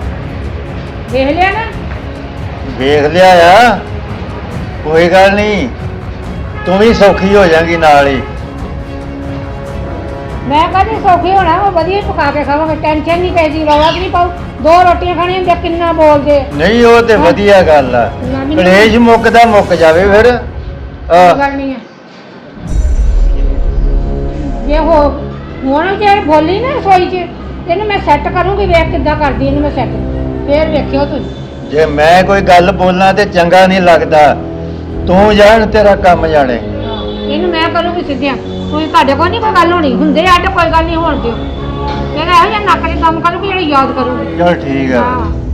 S1: ਦੇਖ ਲਿਆ ਨਾ?
S3: ਵੇਖ ਲਿਆ ਆ, ਕੋਈ ਗੱਲ ਨਹੀਂ। ਤੂੰ ਵੀ ਸੌਖੀ ਹੋ ਜਾਏਗੀ ਨਾਲ ਹੀ।
S1: ਮੈਂ ਕਹਿੰਦੀ ਸੌਖੀ ਹੋਣਾ, ਉਹ ਵਧੀਆ ਪਕਾ ਕੇ ਖਾਵਾਂਗੇ। ਟੈਨਸ਼ਨ ਨਹੀਂ ਪੈਦੀ, ਰੌਲਾ ਵੀ ਨਹੀਂ ਪਾਉ। 2 ਰੋਟੀਆਂ ਖਾਣੀਆਂ ਹੁੰਦੀਆਂ, ਕਿੰਨਾ ਬੋਲਦੇ।
S3: ਨਹੀਂ ਉਹ ਤੇ ਵਧੀਆ ਗੱਲ ਆ। ਕਲੇਸ਼ ਮੁੱਕਦਾ ਮੁੱਕ ਜਾਵੇ ਫਿਰ।
S1: ਕੋਈ ਗੱਲ ਨਹੀਂ ਹੈ। ਜੇ ਹੁਣ ਜੇ ਬੋਲੀ ਨਾ ਰਸੋਈ 'ਚ, ਇਹਨੂੰ ਮੈਂ ਸੈੱਟ ਕਰੂੰਗੀ। ਵੇਖ ਕਿੱਦਾਂ ਕਰਦੀ ਇਹਨੂੰ ਮੈਂ ਸੈੱਟ। ਫੇਰ ਵੇਖਿਓ ਤੁਸੀਂ।
S3: ਜੇ ਮੈਂ ਕੋਈ ਗੱਲ ਬੋਲਣਾ ਤੇ ਚੰਗਾ ਨਹੀਂ ਲੱਗਦਾ। ਤੂੰ ਜਾਣ, ਤੇਰਾ ਕੰਮ ਜਾਣੇ।
S1: ਇਹਨੂੰ ਮੈਂ ਕਰੂੰਗੀ ਸਿੱਧਿਆਂ। ਤੁਸੀਂ ਤੁਹਾਡੇ ਕੋਲ ਨਹੀਂ ਕੋਈ ਗੱਲ ਹੋਣੀ ਹੁੰਦੇ ਅੱਡ, ਕੋਈ ਗੱਲ ਨਹੀਂ ਹੋਣ ਦਿਓ। ਇਹਦਾ ਇਹੋ ਜਿਹਾ ਨੱਕ 'ਚ ਦਮ ਕਰੂਗੀ ਜਿਹੜਾ ਯਾਦ ਕਰੂਗੀ
S3: ਚਲ ਠੀਕ ਆ
S1: ਹਾਂ